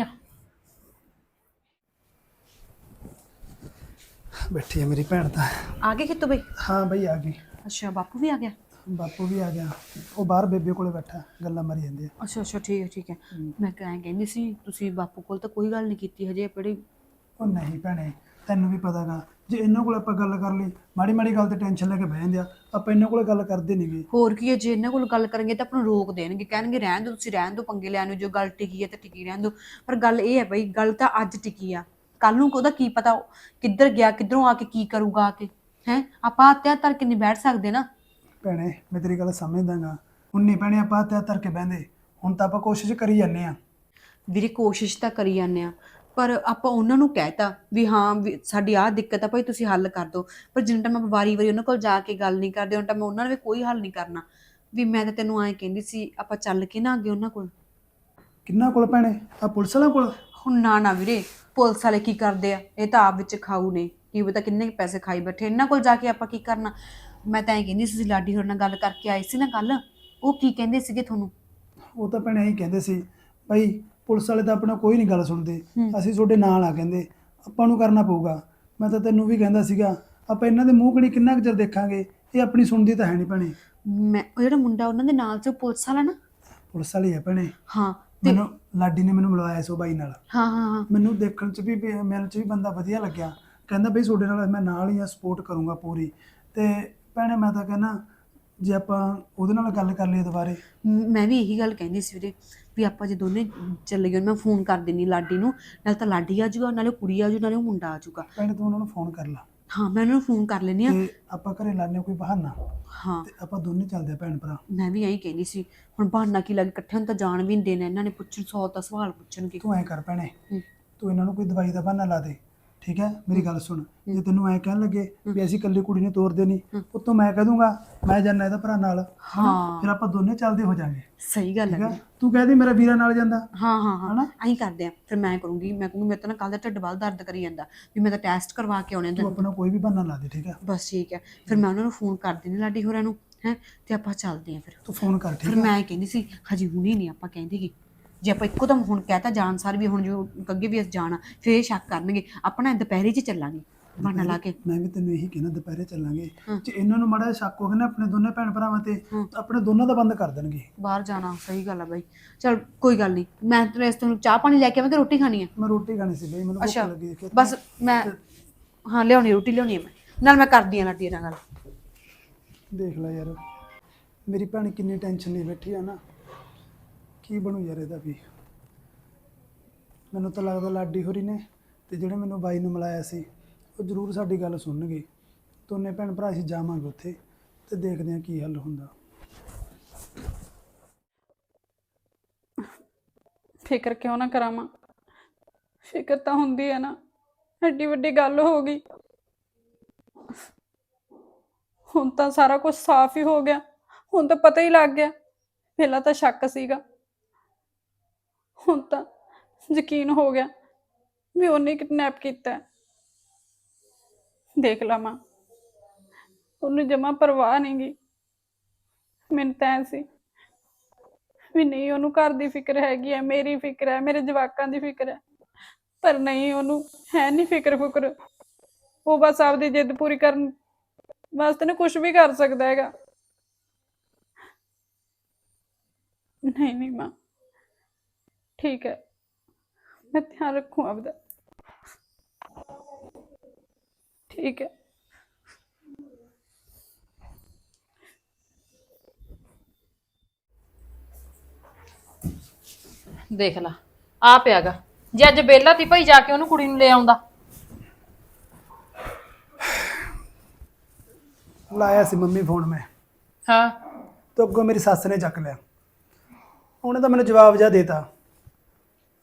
[SPEAKER 2] ਬੈਠੀ ਹੈ ਮੇਰੀ ਭੈਣ ਤਾਂ।
[SPEAKER 4] ਆ ਗਏ ਕਿਤੋਂ ਬਈ?
[SPEAKER 2] ਹਾਂ ਬਈ ਆ ਗਈ।
[SPEAKER 4] ਅੱਛਾ ਬਾਪੂ ਵੀ ਆ ਗਿਆ।
[SPEAKER 2] ਬਾਪੂ ਵੀ ਆ ਗਿਆ, ਉਹ ਬਾਹਰ ਬੇਬੇ ਕੋਲੇ ਬੈਠਾ, ਗੱਲਾਂ ਮਾਰੀ ਜਾਂਦੇ ਆ।
[SPEAKER 4] ਅੱਛਾ ਠੀਕ ਹੈ। ਮੈਂ ਕਹਿੰਦੀ ਸੀ ਤੁਸੀਂ ਬਾਪੂ ਕੋਲ ਤਾਂ ਕੋਈ ਗੱਲ ਨਹੀਂ ਕੀਤੀ ਹਜੇ ਪੜੀ।
[SPEAKER 2] ਉਹ ਨਹੀਂ ਭੈਣੇ, ਤੈਨੂੰ ਵੀ ਪਤਾਗਾ, ਜੇ ਇਹਨਾਂ ਕੋਲ ਆਪਾਂ ਗੱਲ ਕਰ ਲਈ ਮਾੜੀ ਮਾੜੀ ਗੱਲ ਤੇ ਟੈਨਸ਼ਨ ਲੈ ਕੇ ਬਹਿ ਜਾਂਦੇ ਆ, ਆਪਾਂ ਇਹਨਾਂ ਕੋਲੇ ਗੱਲ ਕਰਦੇ ਨਹੀਂਗੇ।
[SPEAKER 4] ਹੋਰ ਕੀ ਹੈ, ਜੇ ਇਹਨਾਂ ਕੋਲ ਗੱਲ ਕਰਾਂਗੇ ਤਾਂ ਆਪਾਂ ਨੂੰ ਰੋਕ ਦੇਣਗੇ, ਕਹਿਣਗੇ ਰਹਿਣ ਦਿਓ, ਤੁਸੀਂ ਰਹਿਣ ਦਿਓ ਪੰਗੇ ਲੈਣ ਨੂੰ, ਜੋ ਗੱਲ ਟਿਕੀ ਹੈ ਤਾਂ ਟਿਕੀ ਰਹਿਣ ਦਿਓ। ਪਰ ਗੱਲ ਇਹ ਹੈ ਬਈ, ਗੱਲ ਤਾਂ ਅੱਜ ਟਿਕੀ ਆ, ਕੱਲ ਨੂੰ ਉਹਦਾ ਕੀ ਪਤਾ ਕਿੱਧਰ ਗਿਆ, ਕਿੱਧਰੋਂ ਆ ਕੇ ਕੀ ਕਰੂਗਾ ਆ ਕੇ। ਹੈ ਆਪਾਂ ਹੱਥਿਆ ਧਰ ਕੇ ਨਹੀਂ ਬੈਠ ਸਕਦੇ ਨਾ।
[SPEAKER 2] ਭੈਣੇ ਮੈਂ ਤੇਰੀ ਗੱਲ ਸਮਝਦਾਗਾ, ਹੁਣ ਨਹੀਂ ਭੈਣੇ ਆਪਾਂ ਹੱਥ ਧਰ ਕੇ ਬਹਿੰਦੇ, ਹੁਣ ਤਾਂ ਆਪਾਂ ਕੋਸ਼ਿਸ਼ ਕਰੀ ਜਾਂਦੇ ਆ।
[SPEAKER 4] ਵੀਰੇ ਕੋਸ਼ਿਸ਼ ਤਾਂ ਕਰੀ ਜਾਂਦੇ ਆ, ਪਰ ਆਪਾਂ ਉਹਨਾਂ ਨੂੰ ਕਹਿਤਾ ਵੀ ਹਾਂ ਵੀ ਸਾਡੀ ਆਹ ਦਿੱਕਤ ਆ ਭਾਈ ਤੁਸੀਂ ਹੱਲ ਕਰ ਦਿਓ, ਪਰ ਜਿੰਨਾ ਟਾਈਮ ਆਪਾਂ ਵਾਰੀ ਉਹਨਾਂ ਕੋਲ ਜਾ ਕੇ ਗੱਲ ਨਹੀਂ ਕਰਦੇ, ਉਹਨਾਂ ਟਾਈਮ ਉਹਨਾਂ ਨੇ ਵੀ ਕੋਈ ਹੱਲ ਨਹੀਂ ਕਰਨਾ। ਵੀ ਮੈਂ ਤਾਂ ਤੈਨੂੰ ਐਂ ਕਹਿੰਦੀ ਸੀ ਆਪਾਂ ਚੱਲ ਕੇ ਨਾ ਅੱਗੇ ਉਹਨਾਂ ਕੋਲ।
[SPEAKER 2] ਕਿੰਨਾ ਕੋਲ ਭੈਣੇ? ਆ ਪੁਲਿਸ ਵਾਲਾ ਕੋਲ?
[SPEAKER 4] ਹੁਣ ਨਾ ਵੀਰੇ, ਪੁਲਿਸ ਵਾਲੇ ਕੀ ਕਰਦੇ ਆ, ਇਹ ਤਾਂ ਆਪ ਵਿੱਚ ਖਾਊ ਨੇ, ਕੀ ਪਤਾ ਕਿੰਨੇ ਪੈਸੇ ਖਾਈ ਬੈਠੇ, ਇਹਨਾਂ ਕੋਲ ਜਾ ਕੇ ਆਪਾਂ ਕੀ ਕਰਨਾ। ਮੈਂ ਤਾਂ ਐਂ ਕਹਿੰਦੀ ਸੀ, ਤੁਸੀਂ ਲਾਡੀ ਹੋਰ ਨਾਲ ਗੱਲ ਕਰਕੇ ਆਏ ਸੀ ਨਾ ਕੱਲ, ਉਹ ਕੀ ਕਹਿੰਦੇ ਸੀਗੇ ਤੁਹਾਨੂੰ?
[SPEAKER 2] ਉਹ ਤਾਂ ਭੈਣੇ ਇਹੀ ਕਹਿੰਦੇ ਸੀ ਭਾਈ ਪੁਲਿਸ ਵਾਲੇ ਤਾਂ ਆਪਣਾ ਕੋਈ ਨਹੀਂ ਗੱਲ ਸੁਣਦੇ, ਅਸੀਂ ਤੁਹਾਡੇ ਨਾਲ ਆ, ਕਹਿੰਦੇ ਆਪਾਂ ਨੂੰ ਕਰਨਾ ਪਊਗਾ। ਮੈਂ ਤਾਂ ਤੈਨੂੰ ਵੀ ਕਹਿੰਦਾ ਸੀਗਾ, ਆਪਾਂ ਇਹਨਾਂ ਦੇ ਮੂੰਹ ਕਣੀ ਕਿੰਨਾ ਕੁ ਚਿਰ ਦੇਖਾਂਗੇ, ਇਹ ਆਪਣੀ ਸੁਣਦੀ ਤਾਂ ਹੈ ਨਹੀਂ ਭੈਣੇ।
[SPEAKER 4] ਮੈਂ ਉਹ ਜਿਹੜਾ ਮੁੰਡਾ ਉਹਨਾਂ ਦੇ ਨਾਲ ਸੀ, ਉਹ ਪੁਲਿਸ ਵਾਲਾ ਨਾ?
[SPEAKER 2] ਪੁਲਿਸ ਵਾਲੀ ਹੈ ਭੈਣੇ।
[SPEAKER 4] ਹਾਂ
[SPEAKER 2] ਮੈਨੂੰ ਲਾਡੀ ਨੇ ਮੈਨੂੰ ਮਿਲਵਾਇਆ ਸੀ ਉਹ ਬਾਈ ਨਾਲ।
[SPEAKER 4] ਹਾਂ
[SPEAKER 2] ਮੈਨੂੰ ਦੇਖਣ 'ਚ ਵੀ ਮਿਲਣ 'ਚ ਵੀ ਬੰਦਾ ਵਧੀਆ ਲੱਗਿਆ, ਕਹਿੰਦਾ ਬਈ ਤੁਹਾਡੇ ਨਾਲ ਮੈਂ ਨਾਲ ਹੀ ਆ, ਸਪੋਰਟ ਕਰੂੰਗਾ ਪੂਰੀ। ਤੇ ਭੈਣੇ ਮੈਂ ਤਾਂ ਕਹਿੰਦਾ ਜੇ ਆਪਾਂ ਉਹਦੇ ਨਾਲ ਗੱਲ ਕਰ ਲਈਏ ਦੁਬਾਰੇ।
[SPEAKER 4] ਮੈਂ ਵੀ ਇਹੀ ਗੱਲ ਕਹਿੰਦੀ ਸੀ ਵੀਰੇ, ਵੀ ਆਪਾਂ ਜੇ ਦੋਨੇ ਚੱਲੇ ਗਏ, ਮੈਂ ਫੋਨ ਕਰ ਦਿੰਦੀ ਲਾਡੀ ਨੂੰ, ਨਾਲ ਤਾਂ ਲਾਡੀ ਆ ਜਾਊਗਾ, ਨਾਲੇ ਕੁੜੀ ਆ ਜਾਊ, ਨਾਲੇ ਉਹ ਮੁੰਡਾ ਆ ਜਾਊਗਾ।
[SPEAKER 2] ਭੈਣੇ ਤੂੰ ਉਹਨਾਂ ਨੂੰ ਫੋਨ ਕਰ ਲਾ।
[SPEAKER 4] ਹਾਂ ਮੈਂ ਉਹਨਾਂ ਨੂੰ ਫੋਨ ਕਰ ਲੈਂਦੀ ਆ।
[SPEAKER 2] ਤੇ ਆਪਾਂ ਘਰੇ ਲਾਣੇ ਕੋਈ ਬਹਾਨਾ,
[SPEAKER 4] ਹਾਂ
[SPEAKER 2] ਤੇ ਆਪਾਂ ਦੋਨੇ ਚੱਲਦੇ ਆ ਭੈਣ ਭਰਾ।
[SPEAKER 4] ਮੈਂ ਵੀ ਇਹੀ ਕਹਿੰਦੀ ਸੀ, ਹੁਣ ਬਹਾਨਾ ਕੀ ਲੱਗ, ਇਕੱਠਿਆਂ ਨੂੰ ਤਾਂ ਜਾਣ ਵੀ ਨਹੀਂ ਦੇਣਾ, ਇਹਨਾਂ ਨੇ ਪੁੱਛਣ 100 ਤਾਂ ਸਵਾਲ ਪੁੱਛਣਗੇ।
[SPEAKER 2] ਤੂੰ ਐਂ ਕਰ ਭੈਣੇ,
[SPEAKER 4] ਹੂੰ।
[SPEAKER 2] ਤੂੰ ਇਹਨਾਂ ਨੂੰ ਕੋਈ ਦਵਾਈ ਦਾ ਬਹਾਨਾ ਲਾ ਦੇ, ਠੀਕ ਹੈ? ਮੇਰੀ ਗੱਲ ਸੁਣ, ਜੇ ਤੈਨੂੰ ਐਂ ਕਹਿਣ ਲੱਗੇ ਵੀ ਅਸੀਂ ਇਕੱਲੀ ਕੁੜੀ ਨੂੰ ਤੋਰਦੇ ਨਹੀਂ, ਉੱਤੋਂ ਮੈਂ ਕਹਿ ਦੂੰਗਾ ਮੈਂ ਜਾਣਾ ਇਹਦਾ ਭਰਾ ਨਾਲ,
[SPEAKER 4] ਹਾਂ
[SPEAKER 2] ਫਿਰ ਆਪਾਂ ਦੋਨੇ ਚੱਲਦੇ ਹੋ ਜਾਾਂਗੇ,
[SPEAKER 4] ਸਹੀ ਗੱਲ
[SPEAKER 2] ਠੀਕ
[SPEAKER 4] ਹੈ।
[SPEAKER 2] ਹੈ? ਤੂੰ ਕਹਿ ਦੇ ਮੇਰਾ ਵੀਰਾ ਨਾਲ ਜਾਂਦਾ।
[SPEAKER 4] ਹਾਂ
[SPEAKER 2] ਹਨਾ?
[SPEAKER 4] ਐਂ ਕਰਦੇ ਆ ਫਿਰ, ਮੈਂ ਕਹੂੰਗੀ ਮੇਰੇ ਤਾਂ ਨਾ ਕੱਲ ਦਾ ਢਿੱਡ ਵੱਲ ਦਰਦ ਕਰੀ ਜਾਂਦਾ, ਵੀ ਮੈਂ ਤਾਂ ਟੈਸਟ ਕਰਵਾ ਕੇ ਆਉਣੇ।
[SPEAKER 2] ਤੂੰ ਆਪਣਾ ਕੋਈ ਵੀ ਬਹਾਨਾ ਲਾ ਦੇ, ਠੀਕ ਹੈ?
[SPEAKER 4] ਬਸ ਠੀਕ ਹੈ, ਫਿਰ ਮੈਂ ਉਹਨਾਂ ਨੂੰ ਫੋਨ ਕਰ ਦਿੰਦੀ ਲਾਡੀ ਹੋਰਾਂ ਨੂੰ, ਹੈ ਤੇ ਆਪਾਂ ਚੱਲਦੇ ਆ ਫਿਰ।
[SPEAKER 2] ਤੂੰ ਫੋਨ ਕਰ,
[SPEAKER 4] ਫਿਰ
[SPEAKER 2] ਠੀਕ ਹੈ?
[SPEAKER 4] ਮੈਂ ਕਹਿੰਦੀ ਸੀ ਹਜੇ ਹੁਣੀ ਨਹੀਂ ਆਪਾਂ ਕਹਿੰਦੇ ਕਿ ਜੇ ਆਪਾਂ ਇੱਕੋ ਦਮ ਹੁਣ ਕਹਿਤਾ ਜਾਣ ਸਾਰ ਵੀ ਹੁਣ ਜੋ ਅੱਗੇ ਵੀ ਅਸੀਂ ਜਾਣਾ, ਫਿਰ ਇਹ ਸ਼ੱਕ ਕਰਨਗੇ, ਆਪਣਾ ਦੁਪਹਿਰੇ 'ਚ ਚੱਲਾਂਗੇ ਬਹਾਨਾ ਲਾ ਕੇ।
[SPEAKER 2] ਮੈਂ ਵੀ ਤੈਨੂੰ ਇਹੀ ਕਹਿਣਾ, ਦੁਪਹਿਰੇ ਚੱਲਾਂਗੇ। ਜੇ ਇਹਨਾਂ ਨੂੰ ਮਾੜਾ ਜਿਹਾ ਸ਼ੱਕ ਹੋ ਗਿਆ ਨਾ ਆਪਣੇ ਦੋਨੇ ਭੈਣ ਭਰਾਵਾਂ ਤੇ, ਤਾਂ ਆਪਣੇ ਦੋਨਾਂ ਦਾ ਬੰਦ ਕਰ ਦੇਣਗੇ
[SPEAKER 4] ਬਾਹਰ ਜਾਣਾ। ਸਹੀ ਗੱਲ ਆ ਬਾਈ, ਚਲ ਕੋਈ ਗੱਲ ਨਹੀਂ, ਮੈਂ ਤੇਰੇ ਵਾਸਤੇ ਹੁਣ ਚਾਹ ਪਾਣੀ ਲੈ ਕੇ ਆਵਾਂ ਕਿ ਰੋਟੀ ਖਾਣੀ ਆ?
[SPEAKER 2] ਮੈਂ ਰੋਟੀ ਖਾਣੀ ਸੀ ਬਈ, ਮੈਨੂੰ ਭੁੱਖ
[SPEAKER 4] ਅੱਛਾ
[SPEAKER 2] ਲੱਗੀ ਦੇਖੀ।
[SPEAKER 4] ਬਸ ਮੈਂ ਹਾਂ ਲਿਆਉਣੀ, ਰੋਟੀ ਲਿਆਉਣੀ ਆ ਮੈਂ, ਨਾਲ ਮੈਂ ਕਰਦੀ ਆ ਲਾਡੀ ਨਾਲ ਗੱਲ।
[SPEAKER 2] ਦੇਖ ਲੈ ਯਾਰ, ਮੇਰੀ ਭੈਣ ਕਿੰਨੀ ਟੈਨਸ਼ਨ ਨਹੀਂ ਬੈਠੀ ਆ ਨਾ, ਕੀ ਬਣੂ ਯਾਰ ਇਹਦਾ ਵੀ। ਮੈਨੂੰ ਤਾਂ ਲੱਗਦਾ ਲਾਡੀ ਹੋਰੀ ਨੇ ਤੇ ਜਿਹੜੇ ਮੈਨੂੰ ਬਾਈ ਨੂੰ ਮਿਲਾਇਆ ਸੀ, ਉਹ ਜ਼ਰੂਰ ਸਾਡੀ ਗੱਲ ਸੁਣਨਗੇ। ਦੋਨੇ ਭੈਣ ਭਰਾ ਅਸੀਂ ਜਾਵਾਂਗੇ ਉੱਥੇ ਤੇ ਦੇਖਦੇ ਹਾਂ ਕੀ ਹੱਲ ਹੁੰਦਾ।
[SPEAKER 5] ਫਿਕਰ ਕਿਉਂ ਨਾ ਕਰਾਵਾਂ, ਫਿਕਰ ਤਾਂ ਹੁੰਦੀ ਹੈ ਨਾ, ਐਡੀ ਵੱਡੀ ਗੱਲ ਹੋ ਗਈ, ਹੁਣ ਤਾਂ ਸਾਰਾ ਕੁਝ ਸਾਫ਼ ਹੀ ਹੋ ਗਿਆ, ਹੁਣ ਤਾਂ ਪਤਾ ਹੀ ਲੱਗ ਗਿਆ, ਪਹਿਲਾਂ ਤਾਂ ਸ਼ੱਕ ਸੀਗਾ, ਹੁਣ ਤਾਂ ਯਕੀਨ ਹੋ ਗਿਆ ਵੀ ਉਹਨੇ ਕਿਡਨੈਪ ਕੀਤਾ ਹੈ। ਦੇਖ ਲਾ ਮਾਂ, ਉਹਨੂੰ ਜਮਾ ਪਰਵਾਹ ਨਹੀਂ ਗੀ, ਮੈਨੂੰ ਤਾਂ ਐਂ ਸੀ ਵੀ ਨਹੀਂ ਉਹਨੂੰ ਘਰ ਦੀ ਫਿਕਰ ਹੈਗੀ ਹੈ, ਮੇਰੀ ਫਿਕਰ ਹੈ, ਮੇਰੇ ਜਵਾਕਾਂ ਦੀ ਫਿਕਰ ਹੈ, ਪਰ ਨਹੀਂ ਉਹਨੂੰ ਹੈ ਨਹੀਂ ਫਿਕਰ ਫੁਕਰ, ਉਹ ਬਸ ਆਪਦੀ ਜਿੱਦ ਪੂਰੀ ਕਰਨ ਵਾਸਤੇ ਨਾ ਕੁਝ ਵੀ ਕਰ ਸਕਦਾ ਹੈਗਾ। ਨਹੀਂ ਮਾਂ, ਠੀਕ ਹੈ, मैं ध्यान रखूँ आपका, ठीक है।
[SPEAKER 1] ਦੇਖ ਲਾ ਆ ਪਿਆਗਾ, ਜੇ ਅੱਜ ਬੇਲਾ ਤੀ ਭਾਈ ਜਾ ਕੇ ਉਹਨੂੰ ਕੁੜੀ ਨੂੰ ਲੈ ਆਉਂਦਾ।
[SPEAKER 2] ਲਾਇਆ ਸੀ ਮੰਮੀ ਫੋਨ ਮੈਂ,
[SPEAKER 1] ਹਾਂ
[SPEAKER 2] ਤੇ ਅੱਗੋਂ ਮੇਰੀ ਸੱਸ ਨੇ ਚੱਕ ਲਿਆ, ਉਹਨੇ ਤਾਂ ਮੈਨੂੰ ਜਵਾਬ ਜਿਹਾ ਦੇਤਾ,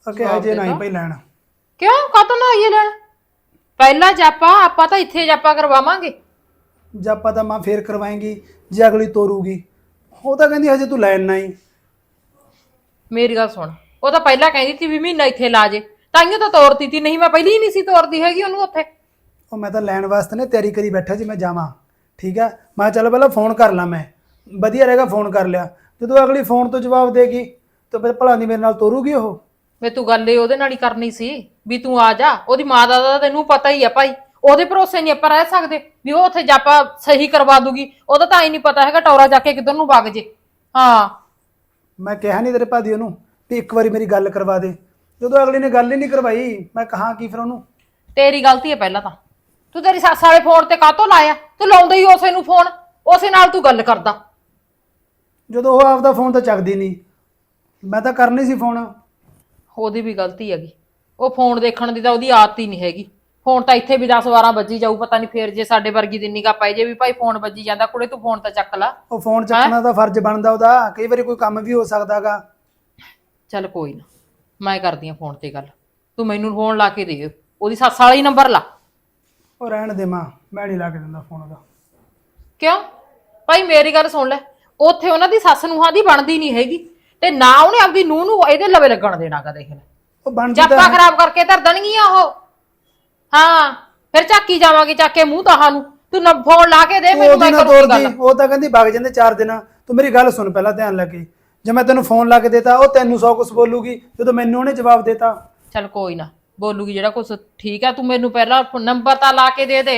[SPEAKER 2] ਕਿ ਹਜੇ ਨਹੀਂ ਭਾਈ ਲੈਣ।
[SPEAKER 1] ਕਿਉਂ ਕਾਤੋਂ ਨਾ ਆਈਏ ਲੈਣ? ਪਹਿਲਾ ਜਾਪਾ ਆਪਾਂ ਤਾਂ ਇੱਥੇ ਜਾਪਾ ਕਰਵਾਵਾਂਗੇ।
[SPEAKER 2] ਜਾਪਾ ਤਾਂ ਮਾਂ ਫੇਰ ਕਰਵਾਏਂਗੀ ਜੇ ਅਗਲੀ ਤੋਰੂਗੀ। ਉਹ ਤਾਂ ਕਹਿੰਦੀ ਹਜੇ ਤੂੰ ਲੈਣ ਨਾ ਹੀ।
[SPEAKER 1] ਮੇਰੀ ਗੱਲ ਸੁਣ, ਉਹ ਤਾਂ ਪਹਿਲਾਂ ਕਹਿੰਦੀ ਸੀ ਵੀ ਮਹੀਨਾ ਇੱਥੇ ਲਾ ਜੇ, ਤਾਈਓ ਤਾਂ ਤੋਰਤੀ ਤੀ, ਨਹੀਂ ਮੈਂ ਪਹਿਲੀ ਹੀ ਨਹੀਂ ਸੀ ਤੋਰਦੀ ਹੈਗੀ ਉਹਨੂੰ ਉੱਥੇ।
[SPEAKER 2] ਉਹ ਮੈਂ ਤਾਂ ਲੈਣ ਵਾਸਤੇ ਨੇ ਤਿਆਰੀ ਕਰੀ ਬੈਠਾ ਸੀ ਮੈਂ ਜਾਵਾਂ, ਠੀਕ ਆ। ਮੈਂ ਚੱਲ ਪਹਿਲਾਂ ਫੋਨ ਕਰ ਲਾਂ, ਮੈਂ ਵਧੀਆ ਰਹੇਗਾ ਫੋਨ ਕਰ ਲਿਆ। ਜਦੋਂ ਅਗਲੀ ਫੋਨ ਤੋਂ ਜਵਾਬ ਦੇਗੀ ਤਾਂ ਫਿਰ ਭਲਾ ਦੀ ਮੇਰੇ ਨਾਲ ਤੋਰੂਗੀ ਉਹ।
[SPEAKER 1] ਵੇ ਤੂੰ ਗੱਲ ਏ ਉਹਦੇ ਨਾਲ ਹੀ ਕਰਨੀ ਸੀ ਵੀ ਤੂੰ ਆ ਜਾ। ਉਹਦੀ ਮਾਂ ਦਾ ਤਾਂ ਤੈਨੂੰ ਪਤਾ ਹੀ ਆ ਭਾਈ, ਉਹਦੇ ਭਰੋਸੇ ਨਹੀਂ ਆਪਾਂ ਰਹਿ ਸਕਦੇ ਵੀ ਉਹ ਉੱਥੇ ਜਾਪਾ ਸਹੀ ਕਰਵਾ ਦੂਗੀ। ਉਹਦਾ ਤਾਂ ਹੀ ਨਹੀਂ ਪਤਾ ਹੈਗਾ ਟੌਰਾ ਜਾ ਕੇ ਕਿੱਧਰ ਨੂੰ ਵਗ ਜੇ। ਹਾਂ
[SPEAKER 2] ਮੈਂ ਕਿਹਾ ਨਹੀਂ ਤੇਰੇ ਭਾਦੀ ਉਹਨੂੰ ਵੀ ਇੱਕ ਵਾਰੀ ਮੇਰੀ ਗੱਲ ਕਰਵਾ ਦੇ, ਜਦੋਂ ਅਗਲੀ ਨੇ ਗੱਲ ਹੀ ਨਹੀਂ ਕਰਵਾਈ ਮੈਂ ਕਹਾਂ ਕੀ ਫਿਰ ਉਹਨੂੰ।
[SPEAKER 1] ਤੇਰੀ ਗਲਤੀ ਹੈ ਪਹਿਲਾਂ ਤਾਂ, ਤੂੰ ਤੇਰੀ ਸੱਸ ਵਾਲੇ ਫੋਨ ਤੇ ਕਾਹਤੋਂ ਲਾਇਆ? ਤੂੰ ਲਾਉਂਦਾ ਹੀ ਉਸੇ ਨੂੰ ਫੋਨ, ਉਸੇ ਨਾਲ ਤੂੰ ਗੱਲ ਕਰਦਾ।
[SPEAKER 2] ਜਦੋਂ ਉਹ ਆਪਦਾ ਫੋਨ ਤਾਂ ਚੱਕਦੀ ਨਹੀਂ, ਮੈਂ ਤਾਂ ਕਰਨੀ ਸੀ ਫੋਨ।
[SPEAKER 1] ਉਹਦੀ ਵੀ ਗਲਤੀ ਹੈਗੀ, ਉਹ ਫੋਨ ਦੇਖਣ ਦੀ ਤਾਂ ਉਹਦੀ ਆਦਤ ਹੀ ਨਹੀਂ ਹੈਗੀ। ਫੋਨ ਤਾਂ ਇੱਥੇ ਵੀ 10-12 ਵੱਜੀ ਜਾਊ, ਪਤਾ ਨਹੀਂ ਫੇਰ ਜੇ ਸਾਡੇ ਵਰਗੀ ਦੀ ਨਿਗਾਹ ਪੈ ਜੇ ਵੀ ਭਾਈ ਫੋਨ ਵੱਜੀ ਜਾਂਦਾ, ਕੁੜੇ ਤੂੰ ਫੋਨ ਤਾਂ ਚੱਕ ਲਾ।
[SPEAKER 2] ਉਹ ਫੋਨ ਚੱਕਣਾ ਤਾਂ ਫਰਜ਼ ਬਣਦਾ ਉਹਦਾ, ਕਈ ਵਾਰੀ ਕੋਈ ਕੰਮ ਵੀ ਹੋ ਸਕਦਾਗਾ।
[SPEAKER 1] ਚੱਲ ਕੋਈ ਨਾ, ਮੈਂ ਕਰਦੀ ਆ ਫੋਨ ਤੇ ਗੱਲ, ਤੂੰ ਮੈਨੂੰ ਫੋਨ ਲਾ ਕੇ ਦੇ, ਉਹਦੀ ਸੱਸ ਵਾਲਾ ਹੀ ਨੰਬਰ ਲਾ।
[SPEAKER 2] ਉਹ ਰਹਿਣ ਦੇ ਮਾਂ, ਮੈਂ ਨਹੀਂ ਲਾ ਕੇ ਦਿੰਦਾ ਫੋਨ ਉਹਦਾ।
[SPEAKER 1] ਕਿਉਂ ਭਾਈ ਮੇਰੀ ਗੱਲ ਸੁਣ ਲੈ, ਉੱਥੇ ਉਹਨਾਂ ਦੀ ਸੱਸ ਨੂੰਹਾਂ ਦੀ ਬਣਦੀ ਨਹੀਂ ਹੈਗੀ, ਤੇ ਨਾ ਉਹਨੇ ਆਪਦੀ ਨੂੰਹ ਨੂੰ ਇਹਦੇ ਲਵੇ ਲੱਗਣ ਦੇਣਾ ਗਾ। ਦੇਖ ਲੈ
[SPEAKER 2] ਉਹ ਬਣਦੀ
[SPEAKER 1] ਜਾਪਾ
[SPEAKER 2] ਤਾਂ
[SPEAKER 1] ਖਰਾਬ ਕਰਕੇ ਧਰ ਦੇਣਗੀਆਂ ਉਹ। ਹਾਂ ਫਿਰ ਝਾਕੀ ਜਾਵਾਂਗੇ ਚੱਕ ਕੇ ਮੂੰਹ ਤਾਹਾਂ ਨੂੰ। ਤੂੰ ਫੋਨ ਲਾ ਕੇ ਦੇ ਮੈਨੂੰ,
[SPEAKER 2] ਉਹਦੀ
[SPEAKER 1] ਮੈਂ
[SPEAKER 2] ਨਾ
[SPEAKER 1] ਕਰੂੰਗੀ
[SPEAKER 2] ਤੋਰਦੀ,
[SPEAKER 1] ਗੱਲ।
[SPEAKER 2] ਉਹ ਤਾਂ ਕਹਿੰਦੀ ਵਗ ਜਾਂਦੇ 4 ਦਿਨ। ਤੂੰ ਮੇਰੀ ਗੱਲ ਸੁਣ ਪਹਿਲਾਂ ਧਿਆਨ ਲੱਗੇ, ਜੇ ਮੈਂ ਤੈਨੂੰ ਫੋਨ ਲਾ ਕੇ ਦੇਤਾ ਉਹ ਤੈਨੂੰ 100 ਕੁਛ ਬੋਲੂਗੀ, ਜਦੋਂ ਮੈਨੂੰ ਉਹਨੇ ਜਵਾਬ ਦੇਤਾ।
[SPEAKER 1] ਚੱਲ ਕੋਈ ਨਾ ਬੋਲੂਗੀ ਜਿਹੜਾ ਕੁਛ, ਠੀਕ ਆ। ਤੂੰ ਮੈਨੂੰ ਪਹਿਲਾਂ ਨੰਬਰ ਤਾਂ ਲਾ ਕੇ ਦੇ ਦੇ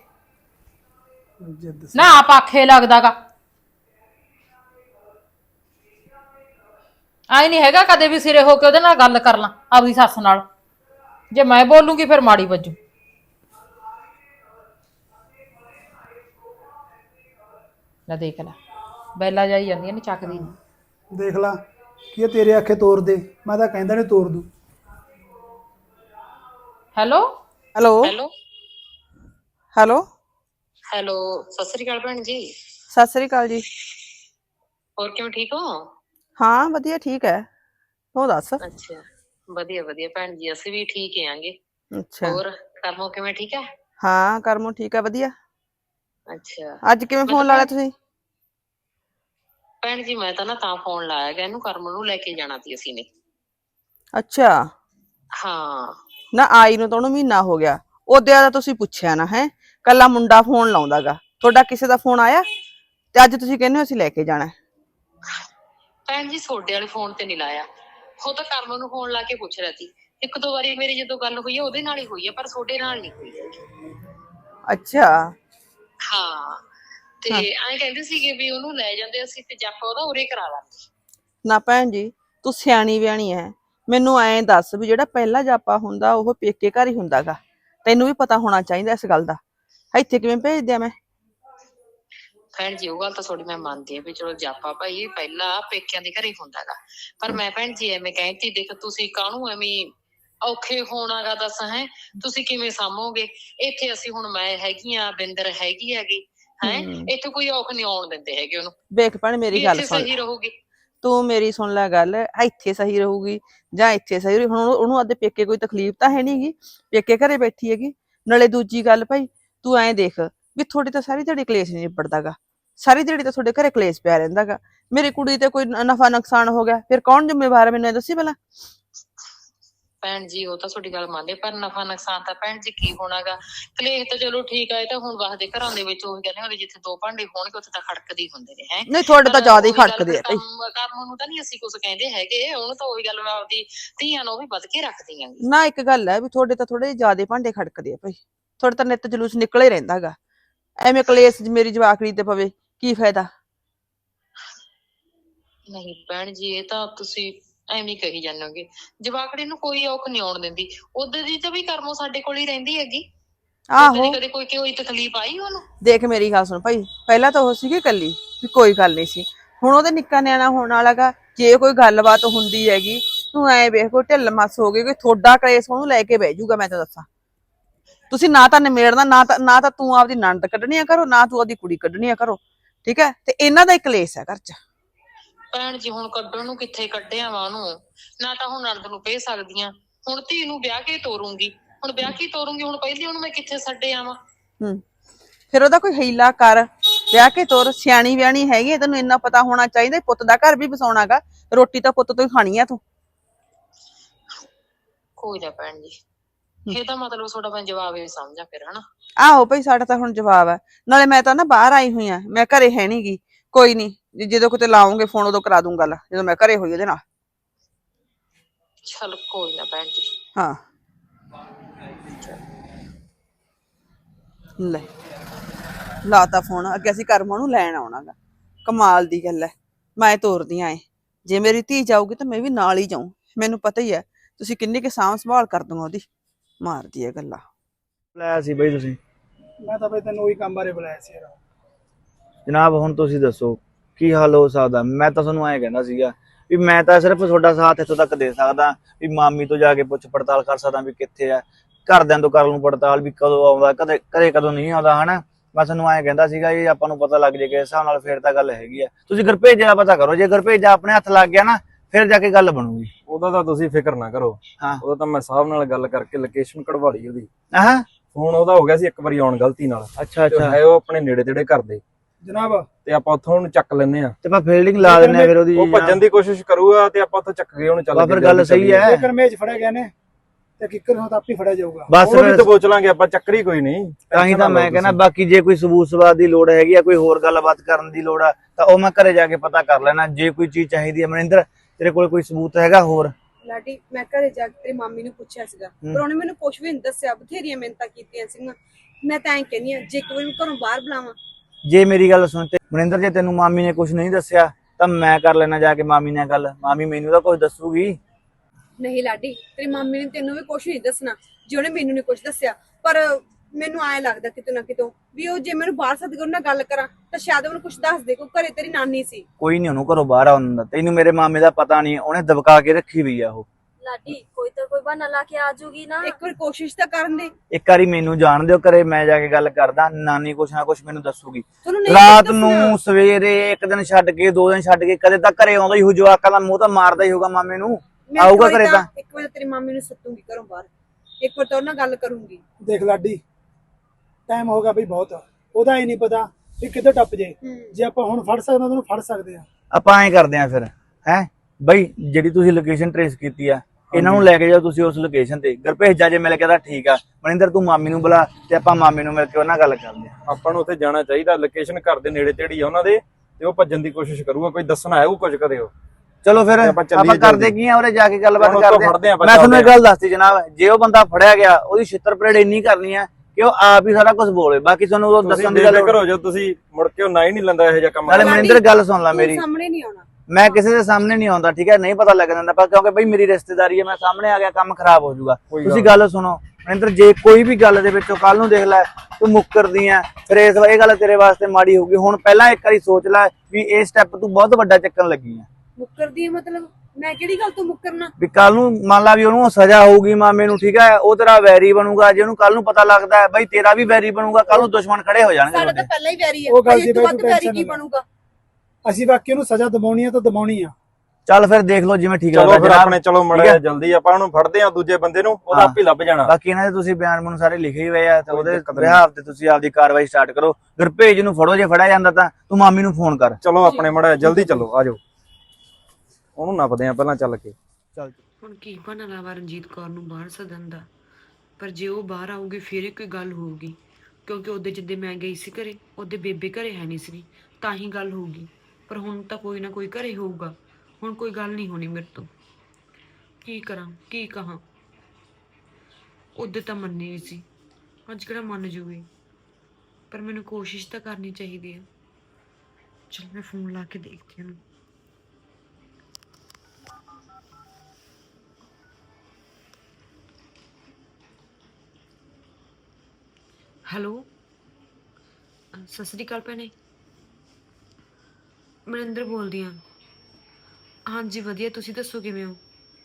[SPEAKER 1] ਨਾ, ਆਪ ਆਖੇ ਲੱਗਦਾਗਾ। ਆਈ ਨਹੀਂ ਹੈਗਾ ਕਦੇ ਵੀ ਸਿਰੇ ਹੋ ਕੇ ਉਹਦੇ ਨਾਲ ਗੱਲ ਕਰ ਲਾਂ ਆਪਦੀ ਸੱਸ ਨਾਲ। ਜੇ ਮੈਂ ਬੋਲੂਗੀ ਫਿਰ ਮਾੜੀ ਵੱਜੂ। ਲੈ ਦੇਖ ਲੈ, ਬੈਲਾ ਜਾਈ ਜਾਂਦੀਆਂ ਨੇ ਚੱਕਦੀ ਨੀ।
[SPEAKER 2] ਦੇਖ ਲਾ ਕੀ ਇਹ ਤੇਰੇ ਆਖੇ ਤੋਰ ਦੇ, ਮੈਂ ਤਾਂ ਕਹਿੰਦਾ ਨਹੀਂ ਤੋਰ ਦੂ।
[SPEAKER 1] Hello
[SPEAKER 6] hello
[SPEAKER 7] hello
[SPEAKER 6] hello
[SPEAKER 7] hello, ਸਤਿ ਸ੍ਰੀ ਅਕਾਲ ਭੈਣ ਜੀ।
[SPEAKER 6] ਸਤਿ ਸ੍ਰੀ ਅਕਾਲ ਜੀ।
[SPEAKER 7] ਹੋਰ ਕਿਵੇਂ, ਠੀਕ ਹੋ?
[SPEAKER 6] ਹਾਂ ਵਧੀਆ ਠੀਕ ਹੈ, ਉਹ ਦੱਸ।
[SPEAKER 7] ਅੱਛਾ, ਵਧੀਆ ਵਧੀਆ ਭੈਣ ਜੀ, ਅਸੀਂ ਵੀ ਠੀਕ ਹੀ ਆਂਗੇ।
[SPEAKER 6] ਅੱਛਾ,
[SPEAKER 7] ਹੋਰ ਕਰਮੋ ਕਿਵੇਂ, ਠੀਕ ਹੈ?
[SPEAKER 6] ਹਾਂ ਕਰਮੋ ਠੀਕ ਹੈ, ਵਧੀਆ।
[SPEAKER 7] ਅੱਛਾ
[SPEAKER 6] ਅੱਜ ਕਿਵੇਂ
[SPEAKER 7] ਮੈਂ
[SPEAKER 6] ਫੋਨ
[SPEAKER 7] ਤਾਂ
[SPEAKER 6] ਲਾ ਲਿਆ ਤੁਸੀਂ?
[SPEAKER 7] ਭੈਣ ਜੀ ਮੈਂ ਤਾਂ ਨਾ ਤਾਂ ਫੋਨ ਲਾਇਆ ਗਿਆ, ਇਹਨੂੰ ਕਰਮ ਨੂੰ ਲੈ ਕੇ ਜਾਣਾ ਸੀ ਅਸੀਂ ਨੇ।
[SPEAKER 6] ਅੱਛਾ,
[SPEAKER 7] ਹਾਂ
[SPEAKER 6] ਨਾ ਆਈ ਨੂੰ ਤਾਂ ਉਹਨੂੰ ਮਹੀਨਾ ਹੋ ਗਿਆ, ਉਹਦੇ ਦਾ ਤੁਸੀਂ ਪੁੱਛਿਆ ਨਾ ਹੈ, ਕੱਲਾ ਮੁੰਡਾ ਫੋਨ ਲਾਉਂਦਾਗਾ, ਤੁਹਾਡਾ ਕਿਸੇ ਦਾ ਫੋਨ ਆਇਆ? ਤੇ ਅੱਜ ਤੁਸੀਂ ਕਹਿੰਦੇ ਹੋ ਅਸੀਂ ਲੈ ਕੇ ਜਾਣਾ।
[SPEAKER 7] ਭੈਣ ਜੀ, ਤੁਹਾਡੇ ਵਾਲੇ ਫੋਨ ਤੇ ਨਹੀਂ ਲਾਇਆ, ਉਹ ਤਾਂ ਕਰਮ ਨੂੰ ਫੋਨ ਲਾ ਕੇ ਪੁੱਛ ਰਿਹਾ ਸੀ। 1-2 ਵਾਰੀ ਮੇਰੀ ਜਦੋਂ ਗੱਲ ਹੋਈ ਹੈ ਉਹਦੇ ਨਾਲ ਹੀ ਹੋਈ ਹੈ, ਪਰ ਤੁਹਾਡੇ ਨਾਲ ਨਹੀਂ ਹੋਈ ਹੈਗੀ।
[SPEAKER 6] ਅੱਛਾ
[SPEAKER 7] ਹਾਂ ਤੇ ਐਂ ਕਹਿੰਦੇ ਸੀਗੇ ਵੀ ਉਹਨੂੰ ਲੈ ਜਾਂਦੇ ਅਸੀਂ ਤੇ ਜਾਪਾ ਉਹਦਾ ਉਰੇ ਕਰਾ ਲਾਂਗੇ।
[SPEAKER 6] ਨਾ ਭੈਣ ਜੀ, ਤੂੰ ਸਿਆਣੀ ਬਿਆਣੀ ਹੈ, ਮੈਨੂੰ ਐਂ ਦੱਸ ਵੀ ਜਿਹੜਾ ਪਹਿਲਾ ਜਾਪਾ ਹੁੰਦਾ ਉਹ ਪੇਕੇ ਘਰ ਹੀ ਹੁੰਦਾਗਾ, ਤੈਨੂੰ ਵੀ ਪਤਾ ਹੋਣਾ ਚਾਹੀਦਾ ਇਸ ਗੱਲ ਦਾ। ਇੱਥੇ ਕਿਵੇਂ ਭੇਜ ਦਿਆਂ ਮੈਂ?
[SPEAKER 7] ਭੈਣ ਜੀ ਉਹ ਗੱਲ ਤਾਂ ਥੋੜੀ ਮੈਂ ਮੰਨਦੀ ਹਾਂ ਵੀ ਚਲੋ ਜਾਪਾ ਭਾਈ ਪਹਿਲਾਂ ਪੇਕਿਆਂ ਦੇ ਘਰੇ ਹੁੰਦਾ ਗਾ, ਪਰ ਮੈਂ ਭੈਣ ਜੀ ਐਵੇਂ ਕਹਿੰਦੀ, ਦੇਖ ਤੁਸੀਂ ਕਾਹਨੂੰ ਐਵੇਂ ਔਖੇ ਹੋਣਾਗਾ, ਦੱਸ ਹੈ ਤੁਸੀਂ ਕਿਵੇਂ ਸਾਂਭੋਗੇ ਇੱਥੇ? ਅਸੀਂ ਹੁਣ ਮੈਂ ਹੈਗੀ ਆ, ਬਿੰਦਰ ਹੈਗੀ ਹੈਗੀ ਹੈ, ਇੱਥੇ ਕੋਈ ਔਖ ਨਹੀਂ ਆਉਣ ਦਿੰਦੇ ਹੈਗੇ ਉਹਨੂੰ।
[SPEAKER 6] ਵੇਖ ਭੈਣ ਮੇਰੀ ਗੱਲ
[SPEAKER 7] ਇੱਥੇ
[SPEAKER 6] ਸੁਣ,
[SPEAKER 7] ਸਹੀ ਰਹੂਗੀ।
[SPEAKER 6] ਤੂੰ ਮੇਰੀ ਸੁਣ ਲੈ ਗੱਲ, ਇੱਥੇ ਸਹੀ ਰਹੂਗੀ ਜਾਂ ਇੱਥੇ ਸਹੀ ਰਹੂ? ਹੁਣ ਉਹਨੂੰ ਆਪਦੇ ਪੇਕੇ ਕੋਈ ਤਕਲੀਫ ਤਾਂ ਹੈ ਨੀ ਗੀ, ਪੇਕੇ ਘਰੇ ਬੈਠੀ ਹੈਗੀ। ਨਾਲੇ ਦੂਜੀ ਗੱਲ ਭਾਈ, ਤੂੰ ਐਂ ਦੇਖ ਵੀ ਤੁਹਾਡੇ ਤਾਂ ਸਾਰੀ ਦਿਹਾੜੀ ਕਲੇਸ਼ ਨੀ ਨਿਬੜਦਾਗਾ, ਸਾਰੀ ਦਿਹਾੜੀ ਤਾਂ ਤੁਹਾਡੇ ਘਰੇ ਕਲੇਸ਼ ਪਿਆ ਰਹਿੰਦਾਗਾ। ਮੇਰੀ ਕੁੜੀ ਤੇ ਕੋਈ ਨਫਾ ਨੁਕਸਾਨ ਹੋ ਗਿਆ ਫਿਰ ਕੌਣ ਜ਼ਿੰਮੇਵਾਰ ਹੈ, ਮੈਨੂੰ ਇਹ ਦੱਸੀ ਪਹਿਲਾਂ।
[SPEAKER 7] ਭੈਣ ਜੀ ਉਹ ਤਾਂ ਤੁਹਾਡੀ ਗੱਲ ਮੰਨਦੇ, ਪਰ ਨਫਾ ਨੁਕਸਾਨ ਤਾਂ ਭੈਣ ਜੀ ਕੀ ਹੋਣਾਗਾ? ਕਲੇਸ਼ ਤਾਂ ਚਲੋ ਠੀਕ ਆ, ਇਹ ਤਾਂ ਹੁਣ ਵਸਦੇ ਘਰਾਂ ਦੇ ਵਿੱਚ ਉਹੀ ਕਹਿੰਦੇ ਹੁੰਦੇ ਜਿੱਥੇ 2 ਭਾਂਡੇ ਹੋਣਗੇ ਉੱਥੇ ਤਾਂ ਖੜਕਦੇ ਹੁੰਦੇ ਨੇ ਹੈ।
[SPEAKER 6] ਨਹੀਂ ਤੁਹਾਡੇ ਤਾਂ ਜ਼ਿਆਦਾ ਹੀ ਖੜਕਦੇ ਆ ਭਾਈ।
[SPEAKER 7] ਕਰਮ ਨੂੰ ਤਾਂ ਨਹੀਂ ਅਸੀਂ ਕੁਝ ਕਹਿੰਦੇ ਹੈਗੇ, ਉਹਨੂੰ ਤਾਂ ਉਹੀ ਗੱਲ ਮੈਂ ਆਪਦੀ ਧੀਆਂ ਨੂੰ ਵੀ ਵੱਧ ਕੇ ਰੱਖਦੀ ਆਂ।
[SPEAKER 6] ਨਾ ਇੱਕ ਗੱਲ ਹੈ ਵੀ ਤੁਹਾਡੇ ਤਾਂ ਥੋੜੇ ਜ਼ਿਆਦਾ ਭਾਂਡੇ ਖੜਕਦੇ ਆ ਭਾਈ, ਤੁਹਾਡੇ ਤਾਂ ਨਿੱਤ ਜਲੂਸ ਨਿਕਲੇ ਰਹਿੰਦਾਗਾ, ਐਵੇਂ ਕਲੇਸ਼ ਮੇਰੀ ਜਵਾਕੜੀ ਤੇ ਪਵੇ ਕੀ ਫਾਇਦਾ?
[SPEAKER 7] ਨਹੀਂ ਭੈਣ ਜੀ ਇਹ ਤਾਂ ਤੁਸੀਂ ਐਵੇਂ ਕਹੀ ਜਾਣੋਗੇ, ਜਵਾਕੜੀ ਨੂੰ ਕੋਈ ਔਖ ਨਹੀਂ ਆਉਣ ਦਿੰਦੀ। ਉਧਰ ਦੀ ਤਾਂ ਵੀ ਕਰਮੋ ਸਾਡੇ ਕੋਲ ਹੀ ਰਹਿੰਦੀ ਹੈਗੀ।
[SPEAKER 6] ਆਹੋ
[SPEAKER 7] ਕਦੇ ਕੋਈ ਤਕਲੀਫ ਆਈ ਉਹਨੂੰ?
[SPEAKER 6] ਦੇਖ ਮੇਰੀ ਗੱਲ ਸੁਣ ਭਾਈ, ਪਹਿਲਾਂ ਤਾਂ ਉਹ ਸੀਗੀ ਇਕੱਲੀ ਵੀ ਕੋਈ ਗੱਲ ਨਹੀਂ ਸੀ, ਹੁਣ ਉਹਦੇ ਨਿੱਕਾ ਨਿਆਣਾ ਹੋਣ ਵਾਲਾਗਾ, ਜੇ ਕੋਈ ਗੱਲਬਾਤ ਹੁੰਦੀ ਹੈਗੀ ਤੂੰ ਐ ਵੇਖ ਕੋਈ ਢਿੱਲ ਮੱਸ ਹੋ ਗਈ, ਕੋਈ ਥੋੜਾ ਕਲੇਸ਼ ਉਹਨੂੰ ਲੈ ਕੇ ਬਹਿ ਜਾਊਗਾ। ਮੈਂ ਤਾਂ ਦੱਸਾਂ, ਤੁਸੀਂ ਨਾ ਤਾਂ ਨਿਮੇੜਨਾ, ਨਾ ਤਾਂ ਤੂੰ ਆਪਦੀ ਨਣਦ ਕੱਢਣੀ ਆ ਘਰੋਂ, ਨਾ ਤੂੰ ਆਪਦੀ ਕੁੜੀ ਕੱਢਣੀ ਆ ਘਰੋਂ, ਠੀਕ ਹੈ? ਤੇ ਇਹਨਾਂ ਦਾ ਹੀ ਕਲੇਸ਼ ਹੈ ਘਰ 'ਚ।
[SPEAKER 7] ਭੈਣ ਜੀ ਹੁਣ ਕੱਢਣ ਨੂੰ ਕਿੱਥੇ ਕੱਢਿਆ ਵਾ ਉਹਨੂੰ, ਨਾ ਤਾਂ ਹੁਣ ਨਣਦ ਨੂੰ ਭੇਜ ਸਕਦੀ ਆਂ, ਹੁਣ ਧੀ ਨੂੰ ਵਿਆਹ ਕੇ ਤੋਰੂੰਗੀ, ਹੁਣ ਵਿਆਹ ਕੇ ਤੋਰੂੰਗੀ, ਹੁਣ ਪਹਿਲੀ ਉਹਨੂੰ ਮੈਂ ਕਿੱਥੇ ਛੱਡੇ ਆਵਾਂ।
[SPEAKER 6] ਫਿਰ ਉਹਦਾ ਕੋਈ ਹੀਲਾ ਕਰ, ਵਿਆਹ ਕੇ ਤੋਰ। ਸਿਆਣੀ ਵਿਆਹਣੀ ਹੈਗੀ ਆ, ਤੈਨੂੰ ਇੰਨਾ ਪਤਾ ਹੋਣਾ ਚਾਹੀਦਾ ਪੁੱਤ ਦਾ ਘਰ ਵੀ ਬਸਾਉਣਾਗਾ, ਰੋਟੀ ਤਾਂ ਪੁੱਤ ਤੋਂ ਹੀ ਖਾਣੀ ਆ ਤੂੰ।
[SPEAKER 7] ਕੋਈ ਨਾ ਭੈਣ ਜੀ, ਇਹਦਾ ਮਤਲਬ ਤੁਹਾਡਾ ਮੈਂ ਜਵਾਬ ਇਹ ਸਮਝਾਂ ਫਿਰ, ਹਨਾ।
[SPEAKER 6] ਆਹੋ ਭਾਈ, ਸਾਡਾ ਤਾਂ ਹੁਣ ਜਵਾਬ ਹੈ। ਨਾਲੇ ਮੈਂ ਤਾਂ ਨਾ ਬਾਹਰ ਆਈ ਹੋਈ ਆ, ਮੈਂ ਘਰੇ ਹੈ ਨੀ ਗੀ। ਕੋਈ ਨਹੀਂ, ਜਦੋਂ ਕਿਤੇ ਲਾਉਂਗੇ ਫੋਨ ਉਦੋਂ ਕਰਾ ਦੂੰ ਗੱਲ, ਜਦੋਂ ਮੈਂ ਘਰੇ ਹੋਈ ਉਹਦੇ ਨਾਲ।
[SPEAKER 7] ਚਲ ਕੋਈ ਨਾ ਭੈਣ ਜੀ।
[SPEAKER 6] ਹਾਂ ਲੈ ਲਾਤਾ ਫੋਨ। ਅੱਗੇ ਅਸੀਂ ਕਰਮਾਂ ਨੂੰ ਲੈਣ ਆਉਣਾਗਾ। ਕਮਾਲ ਦੀ ਗੱਲ ਹੈ। ਮੈਂ ਤੋਰਦੀ ਆਂ, ਜੇ ਮੇਰੀ ਧੀ ਜਾਊਗੀ ਤਾਂ ਮੈਂ ਵੀ ਨਾਲ ਹੀ ਜਾਊਂ। ਮੈਨੂੰ ਪਤਾ ਹੀ ਹੈ ਤੁਸੀਂ ਕਿੰਨੀ ਕੁ ਸਾਂਭ ਸੰਭਾਲ ਕਰ ਦੂੰਗਾ ਉਹਦੀ। ਮਾਰਦੀ ਹੈ ਗੱਲਾਂ।
[SPEAKER 8] ਬੁਲਾਇਆ ਸੀ ਬਈ ਤੁਸੀਂ?
[SPEAKER 2] ਮੈਂ ਤਾਂ ਬਈ ਤੈਨੂੰ ਉਹੀ ਕੰਮ ਬਾਰੇ ਬੁਲਾਇਆ ਸੀ ਯਾਰ।
[SPEAKER 8] ਜਨਾਬ ਹੁਣ ਤੁਸੀਂ ਦੱਸੋ ਕੀ ਹੱਲ ਹੋ ਸਕਦਾ? ਮੈਂ ਤਾਂ ਤੁਹਾਨੂੰ ਐਂ ਕਹਿੰਦਾ ਸੀਗਾ ਵੀ ਮੈਂ ਤਾਂ ਸਿਰਫ ਤੁਹਾਡਾ ਸਾਥ ਇੱਥੋਂ ਤੱਕ ਦੇ ਸਕਦਾ ਵੀ ਮਾਮੀ ਤੋਂ ਜਾ ਕੇ ਪੁੱਛ ਪੜਤਾਲ ਕਰ ਸਕਦਾ ਵੀ ਕਿੱਥੇ ਆ, ਘਰਦਿਆਂ ਤੋਂ ਕਰ ਲੂੰ ਪੜਤਾਲ ਵੀ ਕਦੋਂ ਆਉਂਦਾ, ਘਰੇ ਕਦੋਂ ਨਹੀਂ ਆਉਂਦਾ, ਹਨਾ। ਮੈਂ ਤੁਹਾਨੂੰ ਐਂ ਕਹਿੰਦਾ ਸੀਗਾ ਇਹ ਆਪਾਂ ਨੂੰ ਪਤਾ ਲੱਗ ਜੇ ਕਿਸ ਹਿਸਾਬ ਨਾਲ, ਫੇਰ ਤਾਂ ਗੱਲ ਹੈਗੀ ਆ। ਤੁਸੀਂ ਗੁਰਭੇਜਾ ਪਤਾ ਕਰੋ, ਜੇ ਗੁਰਭੇਜਾ ਆਪਣੇ ਹੱਥ ਲੱਗ ਗਿਆ ਨਾ ਫਿਰ ਜਾ ਕੇ ਗੱਲ ਬਣੂਗੀ।
[SPEAKER 9] ਉਹਦਾ ਤਾਂ ਤੁਸੀਂ ਫਿਕਰ ਨਾ ਕਰੋ।
[SPEAKER 8] ਹਾਂ।
[SPEAKER 9] ਉਹਦਾ ਤਾਂ ਮੈਂ ਸਾਹਿਬ ਨਾਲ ਗੱਲ ਕਰਕੇ ਲੋਕੇਸ਼ਨ ਕਢਵਾ ਲਈ ਉਹਦੀ।
[SPEAKER 8] ਹਾਂ।
[SPEAKER 9] ਫੋਨ ਉਹਦਾ ਹੋ ਗਿਆ ਸੀ ਇੱਕ ਵਾਰੀ ਆਉਣ ਗਲਤੀ ਨਾਲ।
[SPEAKER 8] ਅੱਛਾ
[SPEAKER 9] ਤੇ
[SPEAKER 8] ਅੱਛਾ।
[SPEAKER 9] ਹੈ ਉਹ ਆਪਣੇ ਨੇੜੇ ਤੇੜੇ ਘਰ ਦੇ,
[SPEAKER 2] ਜਨਾਬ
[SPEAKER 9] ਤੇ ਆਪਾਂ ਉੱਥੋਂ ਉਹਨੂੰ ਚੱਕ ਲੈਨੇ ਆ।
[SPEAKER 8] ਤੇ ਆਪਾਂ ਫੀਲਡਿੰਗ ਲਾ ਦਿੰਨੇ ਆ ਫਿਰ ਉਹਦੀ।
[SPEAKER 9] ਉਹ ਭੱਜਣ ਦੀ ਕੋਸ਼ਿਸ਼ ਕਰੂਗਾ ਤੇ ਆਪਾਂ ਉੱਥੋਂ ਚੱਕ ਕੇ ਉਹਨੂੰ ਚੱਲ
[SPEAKER 8] ਫਿਰ ਗੱਲ ਸਹੀ ਹੈ।
[SPEAKER 2] ਜੇਕਰ ਮੇਜ ਫੜਿਆ ਗਿਆ ਨੇ ਤੇ ਕਿੱਕਰ ਹੁਣ ਤਾਂ ਆਪੇ ਫੜਿਆ ਜਾਊਗਾ।
[SPEAKER 8] ਬਸ
[SPEAKER 9] ਉਹ ਵੀ ਦਬੋਚ ਲਾਂਗੇ ਆਪਾਂ, ਚੱਕਰੀ ਕੋਈ ਨਹੀਂ।
[SPEAKER 8] ਤਾਂ ਹੀ ਤਾਂ ਮੈਂ ਕਹਿੰਦਾ ਬਾਕੀ ਜੇ ਕੋਈ ਸਬੂਤ ਸਵਾਦ ਦੀ ਲੋੜ ਹੈਗੀ ਆ, ਕੋਈ ਹੋਰ ਗੱਲਬਾਤ ਕਰਨ ਦੀ ਲੋੜ ਆ ਤਾਂ ਉਹ ਮੈਂ ਘਰੇ ਜਾ ਕੇ ਪਤਾ ਕਰ ਲੈਣਾ। ਜੇ ਕੋਈ ਚੀਜ਼ ਚਾਹੀਦੀ ਹੈ ਮਨਿੰਦਰ, ਤੇਰੇ ਕੋਲ ਕੋਈ ਸਬੂਤ ਹੈਗਾ ਹੋਰ?
[SPEAKER 4] ਲਾਡੀ, ਮੈਂ ਘਰੇ ਜਾ ਕੇ ਤੇਰੀ ਮਾਮੀ ਨੂੰ ਪੁੱਛਿਆ ਸੀਗਾ, ਪਰ ਉਹਨੇ ਮੈਨੂੰ ਕੁਝ ਵੀ ਨਹੀਂ ਦੱਸਿਆ। ਬਥੇਰੀਆਂ ਮਿਹਨਤਾਂ ਕੀਤੀਆਂ ਸੀਗੀਆਂ। ਮੈਂ ਤਾਂ ਐਂ ਕਹਿੰਦੀ ਆ, ਜੇ ਇੱਕ ਵਾਰੀ ਘਰੋਂ ਬਾਹਰ ਬੁਲਾਵਾਂ।
[SPEAKER 8] ਜੇ ਮੇਰੀ ਗੱਲ ਸੁਣ ਤੇ ਮਨਿੰਦਰ, ਜੇ ਤੈਨੂੰ ਮਾਮੀ ਨੇ ਕੁਝ ਨਹੀਂ ਦੱਸਿਆ ਤਾਂ ਮੈਂ ਕਰ ਲੈਣਾ ਜਾ ਕੇ ਮਾਮੀ ਨਾਲ ਗੱਲ। ਮਾਮੀ ਮੈਨੂੰ ਤਾਂ ਕੁਝ ਦੱਸੂਗੀ।
[SPEAKER 4] ਨਹੀਂ ਲਾਡੀ, ਤੇਰੀ ਮਾਮੀ ਨੇ ਤੈਨੂੰ ਵੀ ਕੁਝ ਨਹੀਂ ਦੱਸਣਾ ਜੇ ਉਹਨੇ ਮੈਨੂੰ ਨਹੀਂ ਕੁਝ ਦੱਸਿਆ। ਪਰ ਮੈਨੂੰ ਐਂ ਲੱਗਦਾ ਕਿਤੋਂ ਨਾ ਕਿਤੋਂ ਵੀ ਉਹ ਜੇ ਮੈਨੂੰ ਬਾਹਰ ਸੱਦ ਕੇ ਉਹਨਾਂ ਨਾਲ ਗੱਲ ਕਰਾਂ ਤਾਂ ਸ਼ਾਇਦ ਉਹਨੂੰ ਕੁਝ ਦੱਸ ਦੇ। ਕੋ ਘਰੇ ਤੇਰੀ ਨਾਨੀ ਸੀ।
[SPEAKER 8] ਕੋਈ ਨਹੀਂ ਉਹਨੂੰ ਘਰੋਂ ਬਾਹਰ ਆਉਣ ਦਾ। ਤੈਨੂੰ ਮੇਰੇ ਮਾਮੇ ਦਾ ਪਤਾ ਨਹੀਂ, ਉਹਨੇ ਦਬਕਾ ਕੇ ਰੱਖੀ ਹੋਈ ਆ ਉਹ।
[SPEAKER 10] ਲਾਡੀ, ਕੋਈ ਤਾਂ ਕੋਈ ਬਹਾਨਾ ਲਾ ਕੇ ਆ ਜਾਊਗੀ ਨਾ।
[SPEAKER 4] ਇੱਕ ਵਾਰ ਕੋਸ਼ਿਸ਼ ਤਾਂ ਕਰਨ ਦੇ।
[SPEAKER 8] ਇੱਕ ਵਾਰੀ ਮੈਨੂੰ ਜਾਣ ਦਿਓ ਘਰੇ, ਮੈਂ ਜਾ ਕੇ ਗੱਲ ਕਰਦਾ। ਨਾਨੀ ਕੁਛ ਨਾ ਕੁਛ ਮੈਨੂੰ ਦੱਸੂਗੀ।
[SPEAKER 4] ਤੁਹਾਨੂੰ ਨਹੀਂ
[SPEAKER 8] ਰਾਤ
[SPEAKER 4] ਦੱਸਣਾ।
[SPEAKER 8] ਨੂੰ, ਸਵੇਰੇ, ਇੱਕ ਦਿਨ ਛੱਡ ਕੇ, 2 ਦਿਨ ਛੱਡ ਕੇ, ਕਦੇ ਤਾਂ ਘਰੇ ਆਉਂਦਾ ਹੀ ਹੋ। ਜਵਾਕਾਂ ਦਾ ਮੂੰਹ ਤਾਂ ਮਾਰਦਾ ਹੀ ਹੋਊਗਾ ਮਾਮੇ ਨੂੰ।
[SPEAKER 4] ਮੈਂ
[SPEAKER 8] ਆਊਗਾ ਘਰੇ ਤਾਂ।
[SPEAKER 4] ਇੱਕ ਵਾਰ ਤੇਰੀ ਮਾਮੀ ਨੂੰ ਸੱਤੂਗੀ ਘਰੋਂ ਬਾਹਰ। ਇੱਕ ਵਾਰ ਤਾਂ ਉਹਨਾਂ ਨਾਲ ਗੱਲ ਕਰੂੰਗੀ।
[SPEAKER 2] ਦੇਖ ਲਾਡੀ, ਟਾਈਮ ਹੋ ਗਿਆ ਬਈ ਬਹੁਤ। ਉਹਦਾ ਹੀ ਨਹੀਂ ਪਤਾ ਵੀ ਕਿੱਧਰ ਟੱਪ ਜੇ। ਜੇ ਆਪਾਂ ਹੁਣ ਫੜ ਸਕਦੇ ਉਹਨੂੰ ਫੜ ਸਕਦੇ ਆ।
[SPEAKER 8] ਆਪਾਂ ਐਂ ਕਰਦੇ ਆਂ ਫਿਰ, ਹੈ ਬਈ, ਜਿਹੜੀ ਤੁਸੀਂ ਲੋਕੇਸ਼ਨ ਟ੍ਰੇਸ ਕੀਤੀ ਆ, ਇਹਨਾਂ ਨੂੰ ਲੈ ਕੇ ਜਾਓ ਤੁਸੀਂ ਉਸ ਲੋਕੇਸ਼ਨ ਤੇ। ਗੁਰਭੇਜਾ ਜੇ ਮਿਲ ਕੇ ਤਾਂ ਠੀਕ ਆ। ਮਨਿੰਦਰ ਤੂੰ ਮਾਮੀ ਨੂੰ ਬੁਲਾ ਤੇ ਆਪਾਂ ਮਾਮੀ ਨੂੰ ਮਿਲ ਕੇ ਉਹਨਾਂ ਗੱਲ ਕਰਦੇ ਆ।
[SPEAKER 9] ਆਪਾਂ ਨੂੰ ਉੱਥੇ ਜਾਣਾ ਚਾਹੀਦਾ। ਲੋਕੇਸ਼ਨ ਘਰ ਦੇ ਨੇੜੇ ਤੇੜੀ ਆ ਉਹਨਾਂ ਦੇ, ਤੇ ਉਹ ਭੱਜਣ ਦੀ ਕੋਸ਼ਿਸ਼ ਕਰੂਗਾ। ਕੋਈ ਦੱਸਣਾ ਆਊ ਕੁਝ ਕਦੇ ਉਹ।
[SPEAKER 8] ਚਲੋ ਫਿਰ
[SPEAKER 9] ਆਪਾਂ ਚੱਲੀਏ
[SPEAKER 8] ਆਪਾਂ ਕਰਦੇ ਕੀ ਆ, ਉਹਦੇ ਜਾ ਕੇ ਗੱਲਬਾਤ
[SPEAKER 9] ਹੁਣ ਉੱਥੋਂ
[SPEAKER 8] ਕਰਦੇ
[SPEAKER 9] ਫੜਦੇ
[SPEAKER 8] ਆ।
[SPEAKER 9] ਆਪਾਂ,
[SPEAKER 8] ਮੈਂ ਤੁਹਾਨੂੰ ਇੱਕ
[SPEAKER 9] ਚੱਲਦੇ
[SPEAKER 8] ਗੱਲ ਦੱਸਤੀ ਜਨਾਬ, ਜੇ ਉਹ ਬੰਦਾ ਫੜਿਆ ਗਿਆ ਉਹਦੀ ਛਿੱਤਰ ਪਰੇਡ ਇੰਨੀ ਕਰਨੀ ਆ ਕਿ ਉਹ ਆਪ ਹੀ ਸਾਰਾ ਕੁਝ ਬੋਲੇ। ਬਾਕੀ ਤੁਹਾਨੂੰ ਉਹ
[SPEAKER 9] ਤੁਸੀਂ
[SPEAKER 8] ਦੱਸਣ ਦੀ ਗੱਲ
[SPEAKER 9] ਬੇਫਿਕਰ ਹੋ ਜਾਓ, ਤੁਸੀਂ ਮੁੜ ਕੇ ਉਹ ਨਾ ਹੀ ਨਹੀਂ ਲੈਂਦਾ ਇਹੋ ਜਿਹਾ ਕੰਮ।
[SPEAKER 8] ਨਾਲੇ ਮਨਿੰਦਰ ਗੱਲ ਸੁਣ ਲੈ ਮੇਰੀ,
[SPEAKER 4] ਸਾਹਮਣੇ ਨਹੀਂ ਆਉਣਾ।
[SPEAKER 8] ਮੈਂ ਕਿਸੇ ਦੇ ਸਾਹਮਣੇ ਨਹੀਂ ਆਉਂਦਾ, ਠੀਕ ਹੈ? ਨਹੀਂ ਪਤਾ ਲੱਗ ਜਾਂਦਾ ਪਰ ਕਿਉਂਕਿ ਬਈ ਮੇਰੀ ਰਿਸ਼ਤੇਦਾਰੀ ਹੈ, ਮੈਂ ਸਾਹਮਣੇ ਆ ਗਿਆ ਕੰਮ ਖਰਾਬ ਹੋ ਜਾਊਗਾ। ਤੁਸੀਂ ਗੱਲ ਸੁਣੋ ਮਨਿੰਦਰ, ਜੇ ਕੋਈ ਵੀ ਗੱਲ ਦੇ ਵਿੱਚੋਂ ਕੱਲ ਨੂੰ ਦੇਖ ਲੈ ਤੂੰ ਮੁੱਕਰਦੀ ਆ, ਫਿਰ ਇਹ ਗੱਲ ਤੇਰੇ ਵਾਸਤੇ ਮਾੜੀ ਹੋਊਗੀ। ਹੁਣ ਪਹਿਲਾਂ ਇੱਕ ਵਾਰੀ ਸੋਚ ਲੈ ਵੀ ਇਹ ਸਟੈਪ ਤੂੰ ਬਹੁਤ ਵੱਡਾ ਚੱਕਣ ਲੱਗੀ ਆ।
[SPEAKER 4] ਮੁੱਕਰਦੀ ਮਤਲਬ ਮੈਂ ਕਿਹੜੀ ਗੱਲ ਤੋਂ ਮੁੱਕਰਨਾ?
[SPEAKER 8] ਵੀ ਕੱਲ ਨੂੰ ਮੰਨ ਲਾ ਵੀ ਉਹਨੂੰ ਸਜ਼ਾ ਹੋਊਗੀ ਮਾਮੇ ਨੂੰ, ਠੀਕ ਹੈ? ਉਹ ਤੇਰਾ ਵੈਰੀ ਬਣੂਗਾ। ਜੇ ਉਹਨੂੰ ਕੱਲ ਨੂੰ ਪਤਾ ਲੱਗਦਾ ਹੈ ਬਈ ਤੇਰਾ ਵੀ ਵੈਰੀ ਬਣੂਗਾ, ਕੱਲ ਨੂੰ ਦੁਸ਼ਮਣ ਖੜੇ ਹੋ ਜਾਣਗੇ
[SPEAKER 4] ਸਾਡਾ
[SPEAKER 8] ਤੁਹਾਡੇ।
[SPEAKER 4] ਤਾਂ ਪਹਿਲਾਂ ਹੀ ਵੈਰੀ ਹੈ।
[SPEAKER 2] ਉਹ ਗੱਲ
[SPEAKER 4] ਅਜੇ
[SPEAKER 2] ਦੀ
[SPEAKER 4] ਤੋਂ
[SPEAKER 2] ਬਈ
[SPEAKER 4] ਵੱਧ
[SPEAKER 2] ਤੂੰ
[SPEAKER 4] ਵੈਰੀ
[SPEAKER 2] tension
[SPEAKER 4] ਕੀ
[SPEAKER 2] ਨਾ ਲੈ।
[SPEAKER 4] ਬਣੂਗਾ?
[SPEAKER 2] ਅਸੀਂ ਬਾਕੀ ਉਹਨੂੰ ਸਜ਼ਾ ਦਿਵਾਉਣੀ ਆ ਤਾਂ ਦਿਵਾਉਣੀ ਆ।
[SPEAKER 8] ਚੱਲ ਫਿਰ ਦੇਖ ਲਓ ਜਿਵੇਂ ਠੀਕ
[SPEAKER 9] ਚਲੋ
[SPEAKER 8] ਲੱਗਦਾ
[SPEAKER 9] ਫਿਰ
[SPEAKER 8] ਜਨਾਬ।
[SPEAKER 9] ਆਪਣੇ, ਚਲੋ ਮੜਾ ਜਲਦੀ ਆਪਾਂ ਉਹਨੂੰ ਫੜਦੇ ਆ, ਦੂਜੇ ਬੰਦੇ ਨੂੰ, ਉਹਦਾ
[SPEAKER 8] ਹਾਂ।
[SPEAKER 9] ਆਪ ਹੀ ਲੱਭ ਜਾਣਾ।
[SPEAKER 8] ਬਾਕੀ ਇਹਨਾਂ ਦੇ ਤੁਸੀਂ ਬਿਆਨ ਮੈਨੂੰ ਸਾਰੇ ਲਿਖੇ ਹੀ ਹੋਏ ਆ ਤੇ ਉਹਦੇ ਬਿਹਾਫ ਤੇ ਤੁਸੀਂ ਆਪਦੀ ਕਾਰਵਾਈ ਸਟਾਰਟ ਕਰੋ। ਗੁਰਭੇਜ ਨੂੰ ਫੜੋ, ਜੇ ਫੜਿਆ ਜਾਂਦਾ ਤਾਂ ਤੂੰ ਮਾਮੀ ਨੂੰ ਫੋਨ ਕਰ।
[SPEAKER 9] ਚਲੋ ਆਪਣੇ ਮੜਾ ਜਲਦੀ ਚਲੋ, ਆਜੋ ਉਹਨੂੰ ਨੱਪਦੇ ਆ ਪਹਿਲਾਂ ਚੱਲ ਕੇ।
[SPEAKER 8] ਚੱਲ
[SPEAKER 11] ਹੁਣ ਕੀ ਬਹਾਨਾ ਲਾਵਾਂ ਰਣਜੀਤ ਕੌਰ ਨੂੰ ਬਾਹਰ ਸੱਦਣ ਦਾ? ਪਰ ਜੇ ਉਹ ਬਾਹਰ ਆਊਗੀ ਫਿਰ ਹੀ ਕੋਈ ਗੱਲ ਹੋਊਗੀ, ਕਿਉਂਕਿ ਉਹਦੇ ਜਿੱਦੇ ਮੈਂ ਗਈ ਸੀ ਘਰੇ, ਉਹਦੇ ਬੇਬੇ ਘਰੇ ਹੈ ਨਹੀਂ ਸੀ, ਤਾਂ ਹੀ ਗੱਲ ਹੋਊਗੀ। ਪਰ ਹੁਣ ਤਾਂ ਕੋਈ ਨਾ ਕੋਈ ਘਰੇ ਹੋਊਗਾ। ਹੁਣ ਕੋਈ ਗੱਲ ਨਹੀਂ ਹੋਣੀ ਮੇਰੇ ਤੋਂ। ਕੀ ਕਰਾਂ, ਕੀ ਕਹਾਂ? ਉਹਦੇ ਤਾਂ ਮੰਨੀ ਨਹੀਂ ਸੀ, ਅੱਜ ਕਿਹੜਾ ਮੰਨ ਜੂਗੀ? ਪਰ ਮੈਨੂੰ ਕੋਸ਼ਿਸ਼ ਤਾਂ ਕਰਨੀ ਚਾਹੀਦੀ ਹੈ। ਚਲ ਮੈਂ ਫੋਨ ਲਾ ਕੇ ਦੇਖਦੀ ਹਾਂ। ਹੈਲੋ, ਸਤਿ ਸ਼੍ਰੀ ਅਕਾਲ ਭੈਣੇ। ਮਨਿੰਦਰ ਬੋਲਦੀ ਹਾਂ। ਹਾਂਜੀ ਵਧੀਆ, ਤੁਸੀਂ ਦੱਸੋ ਕਿਵੇਂ ਹੋ?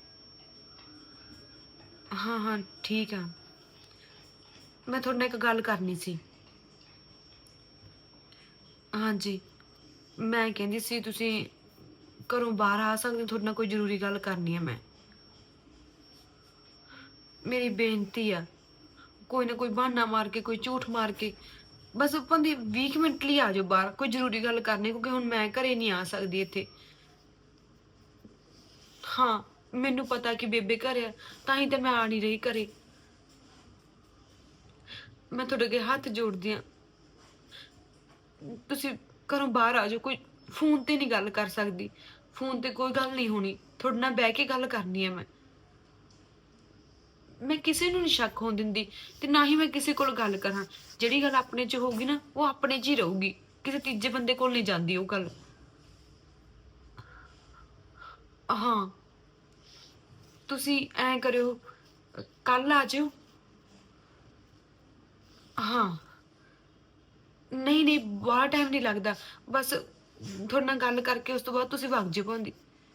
[SPEAKER 11] ਹਾਂ ਹਾਂ ਠੀਕ ਆ। ਮੈਂ ਤੁਹਾਡੇ ਨਾਲ ਇੱਕ ਗੱਲ ਕਰਨੀ ਸੀ। ਹਾਂਜੀ, ਮੈਂ ਕਹਿੰਦੀ ਸੀ ਤੁਸੀਂ ਘਰੋਂ ਬਾਹਰ ਆ ਸਕਦੇ ਹੋ, ਤੁਹਾਡੇ ਨਾਲ ਕੋਈ ਜ਼ਰੂਰੀ ਗੱਲ ਕਰਨੀ ਹੈ ਮੈਂ। ਮੇਰੀ ਬੇਨਤੀ ਆ, ਕੋਈ ਨਾ ਕੋਈ ਬਹਾਨਾ ਮਾਰ ਕੇ, ਕੋਈ ਝੂਠ ਮਾਰ ਕੇ ਬਸ 20 ਮਿੰਟ ਲਈ ਆ ਜਾਓ ਬਾਹਰ, ਕੋਈ ਜ਼ਰੂਰੀ ਗੱਲ ਕਰਨੀ, ਕਿਉਂਕਿ ਹੁਣ ਮੈਂ ਘਰੇ ਨਹੀਂ ਆ ਸਕਦੀ ਇੱਥੇ। ਹਾਂ ਮੈਨੂੰ ਪਤਾ ਕਿ ਬੇਬੇ ਘਰੇ ਆ, ਤਾਂ ਹੀ ਤਾਂ ਮੈਂ ਆ ਨਹੀਂ ਰਹੀ ਘਰੇ। ਮੈਂ ਤੁਹਾਡੇ ਅੱਗੇ ਹੱਥ ਜੋੜਦੀ ਆ, ਤੁਸੀਂ ਘਰੋਂ ਬਾਹਰ ਆ ਜਾਓ। ਕੋਈ ਫੋਨ ਤੇ ਨਹੀਂ ਗੱਲ ਕਰ ਸਕਦੀ, ਫੋਨ ਤੇ ਕੋਈ ਗੱਲ ਨਹੀਂ ਹੋਣੀ, ਤੁਹਾਡੇ ਨਾਲ ਬਹਿ ਕੇ ਗੱਲ ਕਰਨੀ ਹੈ ਮੈਂ ਕਿਸੇ ਨੂੰ ਨਹੀਂ ਸ਼ੱਕ ਹੋਣ ਦਿੰਦੀ, ਤੇ ਨਾ ਹੀ ਮੈਂ ਕਿਸੇ ਕੋਲ ਗੱਲ ਕਰਾਂ। ਜਿਹੜੀ ਗੱਲ ਆਪਣੇ 'ਚ ਹੋਊਗੀ ਨਾ, ਉਹ ਆਪਣੇ 'ਚ ਹੀ ਰਹੂਗੀ, ਕਿਸੇ ਤੀਜੇ ਬੰਦੇ ਕੋਲ ਨਹੀਂ ਜਾਂਦੀ ਉਹ ਗੱਲ। ਹਾਂ ਤੁਸੀਂ ਐਂ ਕਰਿਓ, ਕੱਲ ਆ ਜਾਓ। ਹਾਂ ਨਹੀਂ ਨਹੀਂ, ਬਾਹਲਾ ਟਾਈਮ ਨਹੀਂ ਲੱਗਦਾ, ਬਸ ਤੁਹਾਡੇ ਨਾਲ ਗੱਲ ਕਰਕੇ ਉਸ ਤੋਂ ਬਾਅਦ ਤੁਸੀਂ ਵਗ ਜਾਓ ਭਾਂਦੀ।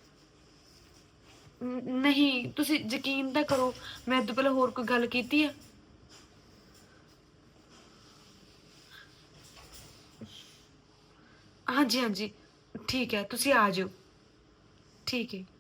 [SPEAKER 11] ਨਹੀਂ ਤੁਸੀਂ ਯਕੀਨ ਤਾਂ ਕਰੋ, ਮੈਂ ਇਹ ਤੋਂ ਪਹਿਲਾਂ ਹੋਰ ਕੋਈ ਗੱਲ ਕੀਤੀ ਆ? ਹਾਂਜੀ ਹਾਂਜੀ ਠੀਕ ਹੈ, ਤੁਸੀਂ ਆ ਜਾਓ। ਠੀਕ ਹੈ।